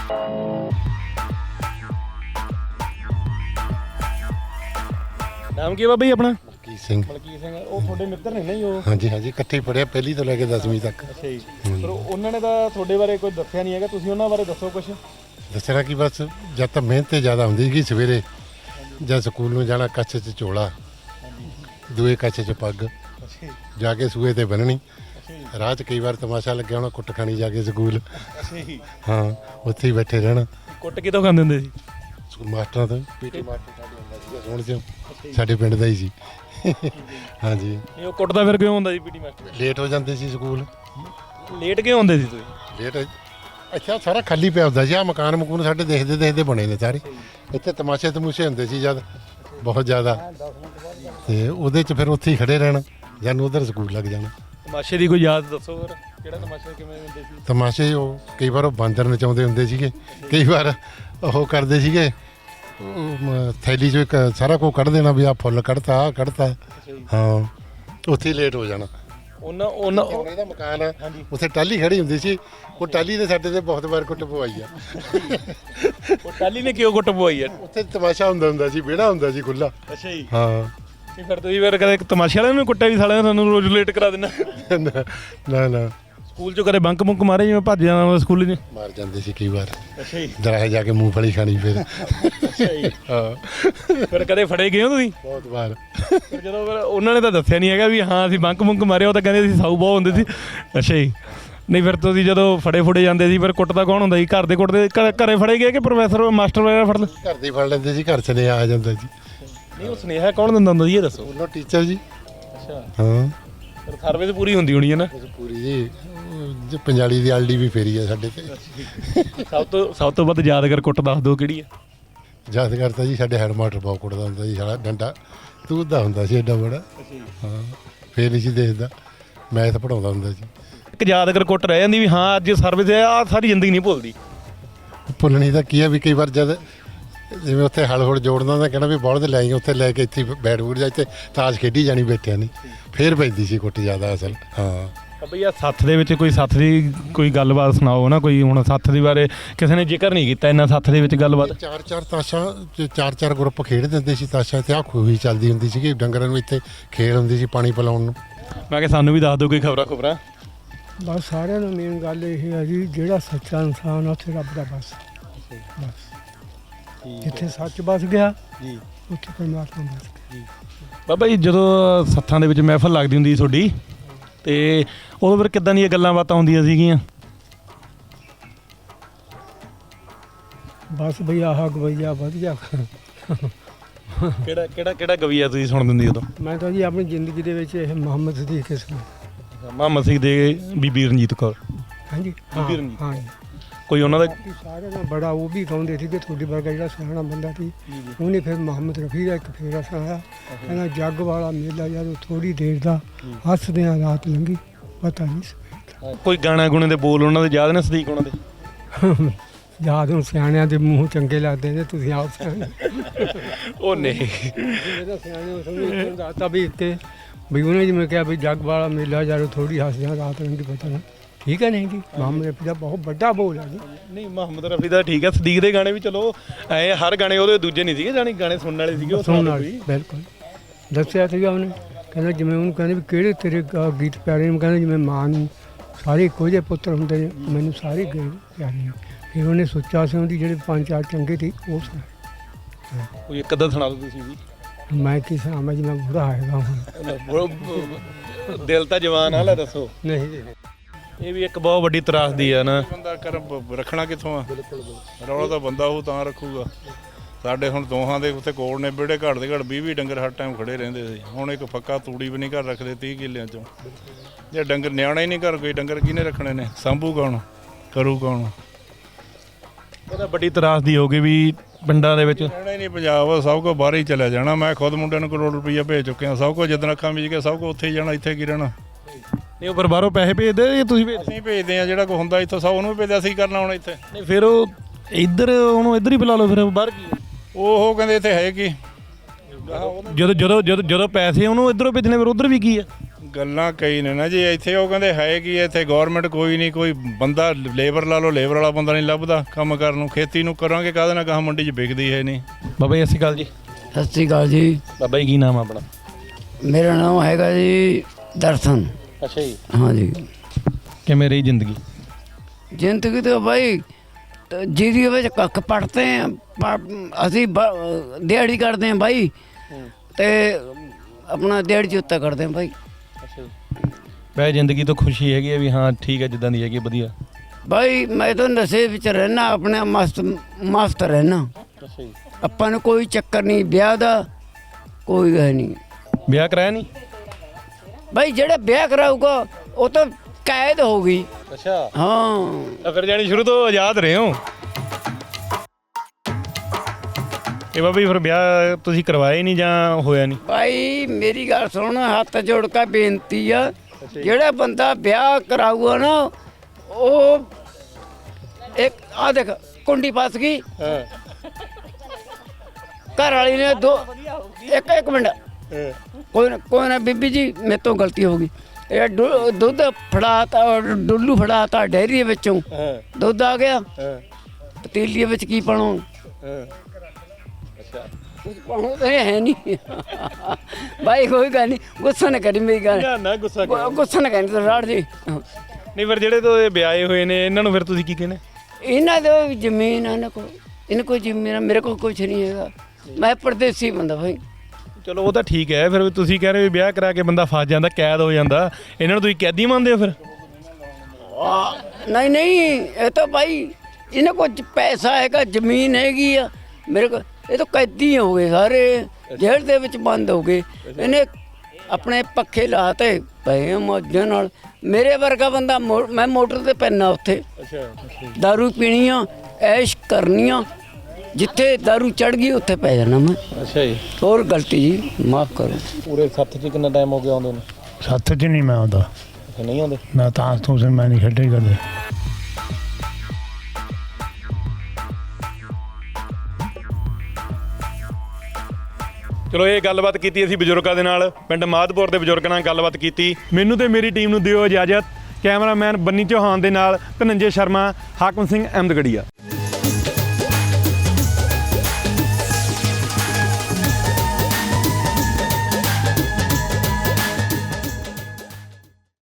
ਨਾਮ ਕੀ ਹੈ ਬਾਬਾ ਜੀ ਆਪਣਾ?
ਮਲਕੀਤ ਸਿੰਘ।
ਮਲਕੀਤ ਸਿੰਘ, ਉਹ ਤੁਹਾਡੇ ਮਿੱਤਰ ਨੇ ਨਾ ਜੀ ਉਹ?
ਹਾਂਜੀ ਹਾਂਜੀ, ਇਕੱਠੇ ਹੀ ਪੜ੍ਹਿਆ ਪਹਿਲੀ ਤੋਂ ਲੈ ਕੇ ਦਸਵੀਂ ਤੱਕ।
ਅੱਛਾ ਜੀ। ਪਰ ਉਹਨਾਂ ਨੇ ਤਾਂ ਤੁਹਾਡੇ ਬਾਰੇ ਕੋਈ ਦੱਸਿਆ ਨਹੀਂ ਹੈਗਾ, ਤੁਸੀਂ ਉਹਨਾਂ ਬਾਰੇ ਦੱਸੋ ਕੁਛ।
ਦੱਸਣਾ ਕਿ ਬਸ ਜਦ ਤਾਂ ਮਿਹਨਤ ਜ਼ਿਆਦਾ ਹੁੰਦੀ ਸੀਗੀ, ਸਵੇਰੇ ਜਦ ਸਕੂਲ ਨੂੰ ਜਾਣਾ ਕੱਛ 'ਚ ਝੋਲਾ, ਦੂਏ ਕੱਛ 'ਚ ਪੱਗ, ਜਾ ਕੇ ਸੂਏ ਤੇ ਬੰਨਣੀ। ਰਾਹ 'ਚ ਕਈ ਵਾਰ ਤਮਾਸ਼ਾ ਲੱਗਿਆ ਹੋਣਾ, ਕੁੱਟ ਖਾਣੀ ਜਾ ਕੇ ਸਕੂਲ। ਹਾਂ ਉੱਥੇ ਹੀ ਬੈਠੇ ਰਹਿਣਾ।
ਕੁੱਟ ਕਿਤੋਂ ਖਾਂਦੇ ਹੁੰਦੇ ਸੀ?
ਸਕੂਲ ਮਾਸਟਰਾਂ ਤੋਂ। ਪੀਟੀ ਮਾਸਟਰ ਸਾਡੇ ਹੁੰਦਾ ਸੀਗਾ ਸੋਹਣ ਚ, ਸਾਡੇ ਪਿੰਡ ਦਾ ਹੀ ਸੀ। ਹਾਂਜੀ।
ਇਹ ਉਹ ਕੁੱਟਦਾ ਫਿਰ ਕਿਉਂ ਹੁੰਦਾ ਸੀ ਪੀਟੀ ਮਾਸਟਰ?
ਲੇਟ ਹੋ ਜਾਂਦੇ ਸੀ ਸਕੂਲ।
ਲੇਟ ਕਿਉਂ ਹੁੰਦੇ ਸੀ ਤੁਸੀਂ?
ਲੇਟ ਅੱਛਾ ਸਾਰਾ ਖਾਲੀ ਪਿਆ ਹੁੰਦਾ ਸੀ। ਆ ਮਕਾਨ ਮਕੂਨ ਸਾਡੇ ਦੇਖਦੇ ਦੇਖਦੇ ਬਣੇ ਨੇ ਸਾਰੇ। ਇੱਥੇ ਤਮਾਸ਼ੇ ਤਮੂਸ਼ੇ ਹੁੰਦੇ ਸੀ ਜਦ ਬਹੁਤ ਜ਼ਿਆਦਾ, ਤੇ ਉਹਦੇ 'ਚ ਫਿਰ ਉੱਥੇ ਹੀ ਖੜੇ ਰਹਿਣਾ, ਜਾਨੂੰ ਉਧਰ ਸਕੂਲ ਲੱਗ ਜਾਣਾ।
ਤਮਾਸ਼ੇ ਦੀ ਕੋਈ ਯਾਦ ਦੱਸੋ ਫਿਰ, ਕਿਹੜਾ ਤਮਾਸ਼ਾ ਕਿਵੇਂ ਹੁੰਦੇ ਸੀ?
ਤਮਾਸ਼ੇ ਉਹ ਕਈ ਵਾਰ ਉਹ ਬਾਂਦਰ ਨਚਾਉਂਦੇ ਹੁੰਦੇ ਸੀਗੇ, ਕਈ ਵਾਰ ਉਹ ਕਰਦੇ ਸੀਗੇ ਉਹ ਮ- ਥੈਲੀ 'ਚੋਂ ਇੱਕ ਸਾਰਾ ਕੁਝ ਕੱਢ ਦੇਣਾ ਵੀ ਆਹ ਫੁੱਲ ਕੱਢਤਾ ਆਹ ਕੱਢਤਾ। ਹਾਂ ਉੱਥੇ ਹੀ ਲੇਟ ਹੋ ਜਾਣਾ।
ਉਹਨਾਂ ਉਹਨਾਂ
ਕਮਰੇ ਦਾ ਮਕਾਨ ਆ, ਉੱਥੇ ਟਾਲੀ ਖੜੀ ਹੁੰਦੀ ਸੀ। ਉਹ ਟਾਲੀ ਦੇ ਸਾਡੇ ਤੇ ਬਹੁਤ ਵਾਰ ਕੁੱਟ ਪਵਾਈ ਆ।
ਉਹ ਟਾਲੀ ਨੇ ਕਿਉਂ ਕੁੱਟ ਪਵਾਈ ਹੈ?
ਉੱਥੇ ਤਮਾਸ਼ਾ ਹੁੰਦਾ ਹੁੰਦਾ ਸੀ, ਵਿਹੜਾ ਹੁੰਦਾ ਸੀ ਖੁੱਲਾ।
ਅੱਛਾ ਜੀ।
ਹਾਂ
ਨਹੀਂ ਫਿਰ ਤੁਸੀਂ ਫਿਰ ਕਦੇ ਤਮਾਸ਼ੇ ਵਾਲਿਆਂ ਨੂੰ ਕੁੱਟਿਆ ਵੀ, ਸਾਲਿਆਂ ਸਾਨੂੰ ਰੋਜ਼ ਲੇਟ ਕਰਾ ਦੇਣਾ?
ਨਾ ਨਾ ਨਾ
ਸਕੂਲ 'ਚੋਂ ਕਦੇ ਬੰਕ ਬੰਕ ਮਾਰੇ ਜਿਵੇਂ ਭੱਜ ਜਾਣਾ ਸਕੂਲ 'ਚ?
ਮਾਰ ਜਾਂਦੇ ਸੀ ਕਈ ਵਾਰ।
ਅੱਛਾ ਜੀ।
ਦਰਾਹੇ ਜਾ ਕੇ ਮੂੰਗਫਲੀ ਖਾਣੀ ਫਿਰ।
ਅੱਛਾ ਜੀ।
ਹਾਂ
ਫਿਰ ਕਦੇ ਫੜੇ ਗਏ ਹੋ ਤੁਸੀਂ?
ਬਹੁਤ ਵਾਰ।
ਫਿਰ ਜਦੋਂ ਫਿਰ ਉਹਨਾਂ ਨੇ ਤਾਂ ਦੱਸਿਆ ਨਹੀਂ ਹੈਗਾ ਵੀ ਹਾਂ ਅਸੀਂ ਬੰਕ ਬੰਕ ਮਾਰਿਆ, ਉਹ ਤਾਂ ਕਹਿੰਦੇ ਸੀ ਸਾਊ ਬਹੁਤ ਹੁੰਦੇ ਸੀ। ਅੱਛਾ ਜੀ। ਨਹੀਂ ਫਿਰ ਤੁਸੀਂ ਜਦੋਂ ਫੜੇ ਫੁੜੇ ਜਾਂਦੇ ਸੀ ਫਿਰ ਕੁੱਟਦਾ ਕੌਣ ਹੁੰਦਾ ਸੀ? ਘਰ ਦੇ ਕੁੱਟਦੇ, ਘਰ- ਘਰੇ ਫੜੇ ਗਏ ਕਿ ਪ੍ਰੋਫੈਸਰ ਮਾਸਟਰ ਵਗੈਰਾ ਫੜ ਲੈ?
ਘਰ ਦੇ ਫੜ ਲੈਂਦੇ ਸੀ, ਘਰ ਚਲੇ ਆ ਜਾਂਦਾ ਸੀ।
ਨਹੀਂ ਉਹ ਸੁਨੇਹਾ ਕੌਣ ਦਿੰਦਾ ਹੁੰਦਾ ਸੀ ਇਹ ਦੱਸੋ?
ਉਹਨਾਂ ਟੀਚਰ ਜੀ।
ਅੱਛਾ।
ਹਾਂ
ਫਿਰ ਸਰਵਿਸ ਪੂਰੀ ਹੁੰਦੀ ਹੋਣੀ ਹੈ ਨਾ?
ਪੂਰੀ ਜੀ। ਉਹ ਪੰਜਾਲੀ ਦੀ ਆਲਡੀ ਵੀ ਫੇਰੀ ਆ ਸਾਡੇ ਤੇ।
ਸਭ ਤੋਂ ਸਭ ਤੋਂ ਵੱਧ ਯਾਦਗਾਰ ਕੁੱਟ ਦੱਸ ਦਿਓ ਕਿਹੜੀ ਹੈ?
ਯਾਦ ਕਰਤਾ ਜੀ, ਸਾਡੇ ਹੈਡ ਮਾਸਟਰ ਬਹੁਤ ਕੁੱਟਦਾ ਹੁੰਦਾ ਸੀ। ਸਾਡਾ ਡੰਡਾ ਤੂੰ ਦਾ ਹੁੰਦਾ ਸੀ ਐਡਾ ਬੜਾ। ਹਾਂ ਫੇਰ ਨਹੀਂ ਸੀ ਦੇਖਦਾ, ਮੈਥ ਪੜਾਉਂਦਾ ਹੁੰਦਾ ਸੀ।
ਇੱਕ ਯਾਦਗਾਰ ਕੁੱਟ ਰਹਿ ਜਾਂਦੀ ਵੀ ਹਾਂ ਅੱਜ ਸਰਵਿਸ ਹੈ, ਆ ਸਾਰੀ ਜ਼ਿੰਦਗੀ ਨਹੀਂ ਭੁੱਲਦੀ।
ਭੁੱਲਣੀ ਤਾਂ ਕੀ ਆ ਵੀ ਕਈ ਵਾਰ ਜਦ ਜਿਵੇਂ ਉੱਥੇ ਹਲ ਹੁਲ ਜੋੜਦਾ ਤਾਂ ਕਹਿਣਾ ਵੀ ਬੌਲ ਤੇ ਲੈ ਆਈ, ਉੱਥੇ ਲੈ ਕੇ ਇੱਥੇ ਬੈਟ ਬੂਟ ਜਾ ਇੱਥੇ ਤਾਸ਼ ਖੇਡੀ ਜਾਣੀ ਬੈਠਿਆ ਨਹੀਂ, ਫੇਰ ਪੈਂਦੀ ਸੀ ਕੁੱਟ ਜ਼ਿਆਦਾ ਅਸਲ। ਹਾਂ
ਬਈ ਆ ਸੱਥ ਦੇ ਵਿੱਚ ਕੋਈ ਸੱਥ ਦੀ ਕੋਈ ਗੱਲਬਾਤ ਸੁਣਾਓ ਨਾ, ਕੋਈ ਹੁਣ ਸੱਥ ਦੇ ਬਾਰੇ ਕਿਸੇ ਨੇ ਜ਼ਿਕਰ ਨਹੀਂ ਕੀਤਾ ਇੰਨਾ ਸੱਥ ਦੇ ਵਿੱਚ ਗੱਲਬਾਤ।
ਚਾਰ ਚਾਰ ਤਾਸ਼ਾਂ ਚਾਰ ਚਾਰ ਗਰੁੱਪ ਖੇਡ ਦਿੰਦੇ ਸੀ ਤਾਸ਼ਾਂ ਤੇ। ਆ ਖੂਹੀ ਚੱਲਦੀ ਹੁੰਦੀ ਸੀਗੀ, ਡੰਗਰਾਂ ਨੂੰ ਇੱਥੇ ਖੇਲ ਹੁੰਦੀ ਸੀ ਪਾਣੀ ਪਿਲਾਉਣ ਨੂੰ।
ਮੈਂ ਕਿਹਾ ਸਾਨੂੰ ਵੀ ਦੱਸ ਦਿਓ ਕੋਈ ਖਬਰਾਂ ਖਬਰਾਂ।
ਬਸ ਸਾਰਿਆਂ ਨੂੰ ਮੇਨ ਗੱਲ ਇਹ ਹੈ ਜੀ, ਜਿਹੜਾ ਸੱਚਾ ਇਨਸਾਨ ਆ ਉੱਥੇ ਰੱਬ ਦਾ ਬਸ। ਬਸ ਜਿੱਥੇ ਸੱਚ ਬਸ ਗਿਆ
ਜੀ
ਉੱਥੇ ਪਰਮਾਤਮਾ ਬਸ ਗਿਆ।
ਬਾਬਾ ਜੀ ਜਦੋਂ ਸੱਥਾਂ ਦੇ ਵਿੱਚ ਮਹਿਫਲ ਲੱਗਦੀ ਹੁੰਦੀ ਸੀ ਤੁਹਾਡੀ, ਤੇ ਉਦੋਂ ਫਿਰ ਕਿੱਦਾਂ ਦੀਆਂ ਗੱਲਾਂ ਬਾਤਾਂ ਹੁੰਦੀਆਂ ਸੀਗੀਆਂ?
ਬਸ ਬਈ ਆਹ ਗਵਈਆ ਵਧੀਆ।
ਕਿਹੜਾ ਕਿਹੜਾ ਕਿਹੜਾ ਗਵੀਆ ਤੁਸੀਂ ਸੁਣਦੇ ਹੁੰਦੀ ਉਦੋਂ?
ਮੈਂ ਤਾਂ ਜੀ ਆਪਣੀ ਜ਼ਿੰਦਗੀ ਦੇ ਵਿੱਚ ਇਹ ਮੁਹੰਮਦ ਸਦੀਕ ਕਿਸਮ।
ਮੁਹੰਮਦ ਸਦੀਕ ਦੇ ਬੀਬੀ ਰਣਜੀਤ ਕੌਰ।
ਹਾਂਜੀ
ਬੀਬੀ ਰਣਜੀਤ।
ਹਾਂ
ਕੋਈ ਉਹਨਾਂ ਦਾ
ਬਾਕੀ ਸਾਰਿਆਂ ਦਾ ਬੜਾ ਉਹ ਵੀ ਗਾਉਂਦੇ ਸੀ ਕਿ ਤੁਹਾਡੇ ਵਰਗਾ ਜਿਹੜਾ ਸਿਆਣਾ ਬੰਦਾ ਸੀ ਉਹਨੇ ਫਿਰ ਮੁਹੰਮਦ ਰਫੀ ਦਾ ਇੱਕ ਫੇਰਾ ਸੁਣਾਇਆ, ਕਹਿੰਦਾ ਜੱਗ ਵਾਲਾ ਮੇਲਾ ਜਦੋਂ ਥੋੜੀ ਦੇਰ ਦਾ ਹੱਸਦਿਆਂ ਰਾਤ ਲੰਘੀ ਪਤਾ ਨਹੀਂ ਸਵੇਰ
ਕੋਈ ਗਾਣਾ ਗੁਣੇ ਦੇ ਬੋਲ ਉਹਨਾਂ ਦੇ ਯਾਦ ਨੇ ਸਦੀਕ ਉਹਨਾਂ ਦੇ?
ਦਾ। ਯਾਦ ਨੂੰ ਸਿਆਣਿਆਂ ਦੇ ਮੂੰਹ ਚੰਗੇ ਲੱਗਦੇ ਨੇ, ਤੁਸੀਂ ਆਪ ਸਿਆਣੇ।
ਉਹ ਨਹੀਂ
ਜਿਹੜਾ ਸਿਆਣੇ ਉਸ ਨੂੰ ਦੱਸਤਾ ਵੀ ਇੱਥੇ ਵੀ ਉਹਨੇ ਜਿਵੇਂ ਕਿਹਾ ਵੀ ਜੱਗ ਵਾਲਾ ਮੇਲਾ ਜਦੋਂ ਥੋੜੀ ਹੱਸਦਿਆਂ ਰਾਤ ਲੰਘੀ ਪਤਾ ਨਹੀਂ। ਠੀਕ ਹੈ ਨਹੀਂ ਜੀ, ਮੁਹੰਮਦ ਰਫੀ ਦਾ ਬਹੁਤ ਵੱਡਾ ਬੋਲ ਹੈ ਜੀ।
ਨਹੀਂ ਮੁਹੰਮਦ ਰਫੀ ਦਾ ਠੀਕ ਹੈ, ਸਦੀਕ ਦੇ ਗਾਣੇ ਵੀ ਚਲੋ ਐ ਹਰ ਗਾਣੇ ਉਹਦੇ ਦੂਜੇ ਨਹੀਂ ਸੀਗੇ, ਜਾਣੀ ਗਾਣੇ ਸੁਣਨ ਵਾਲੇ ਸੀਗੇ ਉਹ
ਸੁਣਨ ਵਾਲੀ ਬਿਲਕੁਲ।
ਦੱਸਿਆ ਸੀਗਾ ਉਹਨੇ, ਕਹਿੰਦਾ ਜਿਵੇਂ ਉਹਨੂੰ ਕਹਿੰਦੇ ਵੀ ਕਿਹੜੇ ਤੇਰੇ ਗ- ਗੀਤ ਪਿਆਰੇ ਨੇ, ਕਹਿੰਦਾ ਜਿਵੇਂ ਮਾਂ ਨੂੰ ਸਾਰੇ ਇੱਕੋ ਜਿਹੇ ਪੁੱਤਰ ਹੁੰਦੇ ਨੇ, ਮੈਨੂੰ ਸਾਰੇ ਗੀਤ ਪਿਆਰੇ ਨੇ। ਫਿਰ ਉਹਨੇ ਸੋਚਿਆ ਸੀ ਉਹਦੀ ਜਿਹੜੇ ਪੰਜ ਚਾਰ ਚੰਗੇ ਸੀ ਉਹ ਸੁਣਾ।
ਕੋਈ ਇੱਕ ਅੱਧਾ ਸੁਣਾ ਦਿਓ ਤੁਸੀਂ ਵੀ।
ਮੈਂ ਕੀ ਸੁਣਾਵਾਂ ਜੀ, ਮੈਂ ਬੁਰਾ ਹੈਗਾ ਹੁਣ।
ਦਿਲ ਤਾਂ ਜਵਾਨ ਆ, ਲੈ ਦੱਸੋ।
ਨਹੀਂ
ਇਹ ਵੀ ਇੱਕ ਬਹੁਤ ਵੱਡੀ ਤਰਾਸਦੀ ਆ ਨਾ।
ਬੰਦਾ ਕਰ ਬ- ਰੱਖਣਾ ਕਿੱਥੋਂ ਆ? ਰੌਲਾ ਤਾਂ ਬੰਦਾ ਉਹ ਤਾਂ ਰੱਖੂਗਾ। ਸਾਡੇ ਹੁਣ ਦੋਹਾਂ ਦੇ ਉੱਥੇ ਕੋਲ ਨੇ ਵਿਹੜੇ, ਘੜ ਦੇ ਘੜ ਵੀਹ ਵੀਹ ਡੰਗਰ ਹਰ ਟਾਈਮ ਖੜੇ ਰਹਿੰਦੇ ਸੀ। ਹੁਣ ਇੱਕ ਫੱਕਾ ਤੂੜੀ ਵੀ ਨਹੀਂ ਘਰ ਰੱਖਦੇ ਤੀਹ ਕਿੱਲਿਆਂ ਚੋਂ। ਜੇ ਡੰਗਰ ਨਿਆਣਾ ਹੀ ਨਹੀਂ ਘਰ, ਕੋਈ ਡੰਗਰ ਕਿਹਨੇ ਰੱਖਣੇ ਨੇ? ਸੰਭੂ ਕੌਣ, ਕਰੂ ਕੌਣ?
ਇਹ ਤਾਂ ਵੱਡੀ ਤਰਾਸਦੀ ਹੋ ਗਈ ਵੀ ਪਿੰਡਾਂ ਦੇ ਵਿੱਚ
ਰਹਿਣਾ ਹੀ ਨਹੀਂ ਪੰਜਾਬ, ਸਭ ਕੁਝ ਬਾਹਰ ਹੀ ਚਲਿਆ ਜਾਣਾ। ਮੈਂ ਖੁਦ ਮੁੰਡਿਆਂ ਨੂੰ ਕਰੋੜ ਰੁਪਈਆ ਭੇਜ ਚੁੱਕਿਆ, ਸਭ ਕੁਝ ਜਿੱਦਣ ਅੱਖਾਂ ਮੀਚ ਕੇ ਸਭ ਕੁਝ ਉੱਥੇ ਹੀ ਜਾਣਾ, ਇੱਥੇ ਕੀ ਰਹਿਣਾ?
ਨਹੀਂ ਉਹ ਪਰ ਬਾਹਰੋਂ ਪੈਸੇ ਭੇਜਦੇ ਜਾਂ ਤੁਸੀਂ ਭੇਜਦੇ?
ਅਸੀਂ ਭੇਜਦੇ ਆ, ਜਿਹੜਾ ਕੋਈ ਹੁੰਦਾ ਇੱਥੋਂ ਸਭ ਉਹਨੂੰ ਵੀ ਭੇਜਦੇ, ਅਸੀਂ ਕਰਨਾ ਹੁਣ ਇੱਥੇ।
ਨਹੀਂ ਫਿਰ ਉਹ ਇੱਧਰ ਉਹਨੂੰ ਇੱਧਰ ਹੀ ਬੁਲਾ ਲਓ, ਫਿਰ ਬਾਹਰ ਕੀ?
ਉਹ ਉਹ ਕਹਿੰਦੇ ਇੱਥੇ ਹੈ ਕੀ?
ਜਦੋਂ ਜਦੋਂ ਜਦੋਂ ਜਦੋਂ ਪੈਸੇ ਉਹਨੂੰ ਇੱਧਰੋਂ ਭੇਜਣੇ, ਫਿਰ ਉੱਧਰ ਵੀ ਕੀ ਆ?
ਗੱਲਾਂ ਕਈ ਨੇ ਨਾ ਜੀ। ਇੱਥੇ ਉਹ ਕਹਿੰਦੇ ਹੈ ਕੀ? ਇੱਥੇ ਗਵਰਨਮੈਂਟ ਕੋਈ ਨਹੀਂ, ਕੋਈ ਬੰਦਾ ਲੇਬਰ ਲਾ ਲਓ, ਲੇਬਰ ਵਾਲਾ ਬੰਦਾ ਨਹੀਂ ਲੱਭਦਾ ਕੰਮ ਕਰਨ ਨੂੰ। ਖੇਤੀ ਨੂੰ ਕਰਾਂਗੇ ਕਾਹਦੇ ਨਾਲ? ਕਹਾਂ ਮੰਡੀ 'ਚ ਵਿਕਦੀ ਹੈ ਨਹੀਂ।
ਬਾਬਾ ਜੀ ਸਤਿ ਸ਼੍ਰੀ ਅਕਾਲ ਜੀ।
ਸਤਿ ਸ਼੍ਰੀ ਅਕਾਲ ਜੀ।
ਬਾਬਾ ਜੀ ਕੀ ਨਾਮ ਆ ਆਪਣਾ?
ਮੇਰਾ ਨਾਮ ਹੈਗਾ ਜੀ ਦਰਸ਼ਨ।
ਅੱਛਾ ਜੀ।
हाँ जी।
ਕਿਵੇਂ ਰਹੀ ਜ਼ਿੰਦਗੀ?
ਜ਼ਿੰਦਗੀ तो भाई ਜਿਹਦੀ ਵਿੱਚ ਕੱਖ ਪੜਤੇ ਆ, ਅਸੀਂ ਬ- ਦਿਹਾੜੀ ਕਰਦੇ ਹਾਂ ਭਾਈ, ਤੇ ਆਪਣਾ ਦਿਹਾੜੀ ਜੁੱਤਾ ਕਰਦੇ ਹਾਂ ਭਾਈ।
ਅੱਛਾ ਜੀ। ਵੈ ਜ਼ਿੰਦਗੀ ਤੋਂ ਖੁਸ਼ੀ ਹੈਗੀ ਹੈ ਵੀ ਹਾਂ ਠੀਕ ਹੈ ਜਿੱਦਾਂ ਦੀ ਹੈਗੀ ਵਧੀਆ?
ਭਾਈ ਮੈਂ ਤਾਂ ਨਸ਼ੇ ਵਿੱਚ ਰਹਿਣਾ, ਆਪਣੇ ਮਸਤ ਮਸਤ ਰਹਿਣਾ।
ਅੱਛਾ ਜੀ।
ਆਪਾਂ ਨੂੰ ਕੋਈ ਚੱਕਰ ਨਹੀਂ ਵਿਆਹ ਦਾ, ਕੋਈ ਹੈ ਨਹੀਂ
ਵਿਆਹ ਕਰਾਇਆ ਨਹੀਂ?
ਭਾਈ ਜਿਹੜਾ ਵਿਆਹ ਕਰਾਊਗਾ ਉਹ ਤਾਂ ਕੈਦ ਹੋ ਗਈ।
ਅੱਛਾ।
ਹਾਂ
ਤਾਂ ਫਿਰ ਜਾਨੀ ਸ਼ੁਰੂ ਤੋਂ ਆਜ਼ਾਦ ਰਹੇ ਹੋ? ਇਹ ਬਾਬਾ ਜੀ ਫਿਰ ਵਿਆਹ ਤੁਸੀਂ ਕਰਵਾਇਆ ਹੀ ਨਹੀਂ ਜਾਂ ਹੋਇਆ ਨਹੀਂ?
ਭਾਈ ਮੇਰੀ ਗੱਲ ਸੁਣ, ਹੱਥ ਜੋੜ ਕੇ ਬੇਨਤੀ ਆ, ਜਿਹੜਾ ਬੰਦਾ ਵਿਆਹ ਕਰਾਊਗਾ ਨਾ ਉਹ ਇੱਕ ਆ ਦੇਖ ਕੁੰਡੀ ਫਸ ਗਈ,
ਹਾਂ।
ਘਰ ਵਾਲੀ ਨੇ ਦੋ ਇੱਕ ਇੱਕ ਮਿੰਟ ਕੋਈ ਨਾ ਕੋਈ ਨਾ ਬੀਬੀ ਜੀ ਮੇਰੇ ਤੋਂ ਗਲਤੀ ਹੋ ਗਈ। ਇਹ ਦੁ- ਦੁੱਧ ਫੜਾਤਾ, ਡੁੱਲੂ ਫੜਾਤਾ ਡੈਰੀ ਵਿੱਚੋਂ, ਦੁੱਧ ਆ ਗਿਆ ਪਤੀਲੀ ਵਿੱਚ, ਕੀ ਪਾਉਣਾ?
ਅੱਛਾ।
ਕੁਝ ਪਾਉਣਾ ਤਾਂ ਹੈ ਨਹੀਂ। ਭਾਈ ਕੋਈ ਗੱਲ ਨਹੀਂ, ਗੁੱਸਾ ਨਾ ਕਰੀ ਮੇਰੀ ਗੱਲ।
ਨਾ ਨਾ ਗੁੱਸਾ
ਗੁ- ਗੁੱਸਾ ਨਾ ਕਰੀ ਤੂੰ ਰਾੜ ਜੀ।
ਨਹੀਂ ਫਿਰ ਜਿਹੜੇ ਤੋਂ ਇਹ ਵਿਆਹੇ ਹੋਏ ਨੇ ਇਹਨਾਂ ਨੂੰ ਫਿਰ ਤੁਸੀਂ ਕੀ ਕਹਿੰਦੇ?
ਇਹਨਾਂ ਦੇ ਜ਼ਮੀਨ ਆ ਇਹਨਾਂ ਕੋਲ, ਇਹਨਾਂ ਕੋਲ ਜ਼ਮੀਨ ਆ, ਮੇਰੇ ਕੋਲ ਕੁਝ ਨਹੀਂ ਹੈਗਾ। ਮੈਂ ਪਰਦੇਸੀ ਬੰਦਾ ਭਾਈ।
ਚਲੋ ਉਹ ਤਾਂ ਠੀਕ ਹੈ, ਫਿਰ ਤੁਸੀਂ ਕਹਿ ਰਹੇ ਹੋ ਵੀ ਵਿਆਹ ਕਰਾ ਕੇ ਬੰਦਾ ਫਸ ਜਾਂਦਾ, ਕੈਦ ਹੋ ਜਾਂਦਾ, ਇਹਨਾਂ ਨੂੰ ਤੁਸੀਂ ਕੈਦੀ ਮੰਨਦੇ ਹੋ ਫਿਰ?
ਆ, ਨਹੀਂ ਨਹੀਂ, ਇਹ ਤਾਂ ਭਾਈ ਇਹਨਾਂ ਕੋਲ ਜ- ਪੈਸਾ ਹੈਗਾ, ਜ਼ਮੀਨ ਹੈਗੀ ਆ। ਮੇਰੇ ਕੋਲ ਇਹ ਤਾਂ ਕੈਦੀ ਹੋ ਗਏ ਸਾਰੇ, ਜੇਲ੍ਹ ਦੇ ਵਿੱਚ ਬੰਦ ਹੋ ਗਏ। ਇਹਨੇ ਆਪਣੇ ਪੱਖੇ ਲਾਤੇ ਪਏ ਮੌਜਾਂ ਨਾਲ। ਮੇਰੇ ਵਰਗਾ ਬੰਦਾ ਮੋ- ਮੈਂ ਮੋਟਰ ਤੇ ਪੈਣਾ ਉੱਥੇ, ਦਾਰੂ ਪੀਣੀ ਆ, ਐਸ਼ ਕਰਨੀ ਆ, ਜਿੱਥੇ ਦਾਰੂ ਚੜ ਗਈ ਉੱਥੇ ਪੈ ਜਾਣਾ ਮੈਂ।
ਅੱਛਾ ਜੀ।
ਹੋਰ ਗਲਤੀ ਜੀ ਮਾਫ ਕਰੋ।
ਪੂਰੇ ਸੱਤ 'ਚ ਕਿੰਨਾ ਟਾਈਮ ਹੋ ਗਿਆ ਆਉਂਦੇ ਨੂੰ?
ਸੱਤ 'ਚ ਨਹੀਂ ਮੈਂ ਆਉਂਦਾ,
ਅੱਛਾ ਨਹੀਂ ਆਉਂਦੇ?
ਨਾ ਤਾਂ ਤੋਂ ਮੈਂ ਨਹੀਂ ਖੇਡੇ ਕਦੇ।
ਚਲੋ ਇਹ ਗੱਲਬਾਤ ਕੀਤੀ ਅਸੀਂ ਬਜ਼ੁਰਗਾਂ ਦੇ ਨਾਲ, ਪਿੰਡ ਮਾਧਪੁਰ ਦੇ ਬਜ਼ੁਰਗਾਂ ਨਾਲ ਗੱਲਬਾਤ ਕੀਤੀ। ਮੈਨੂੰ ਤੇ ਮੇਰੀ ਟੀਮ ਨੂੰ ਦਿਓ ਇਜਾਜ਼ਤ। ਕੈਮਰਾਮੈਨ ਬੰਨੀ ਚੌਹਾਨ ਦੇ ਨਾਲ ਧਨੰਜੇ ਸ਼ਰਮਾ, ਹਾਕਮ ਸਿੰਘ ਅਹਿਮਦਗੜੀਆ।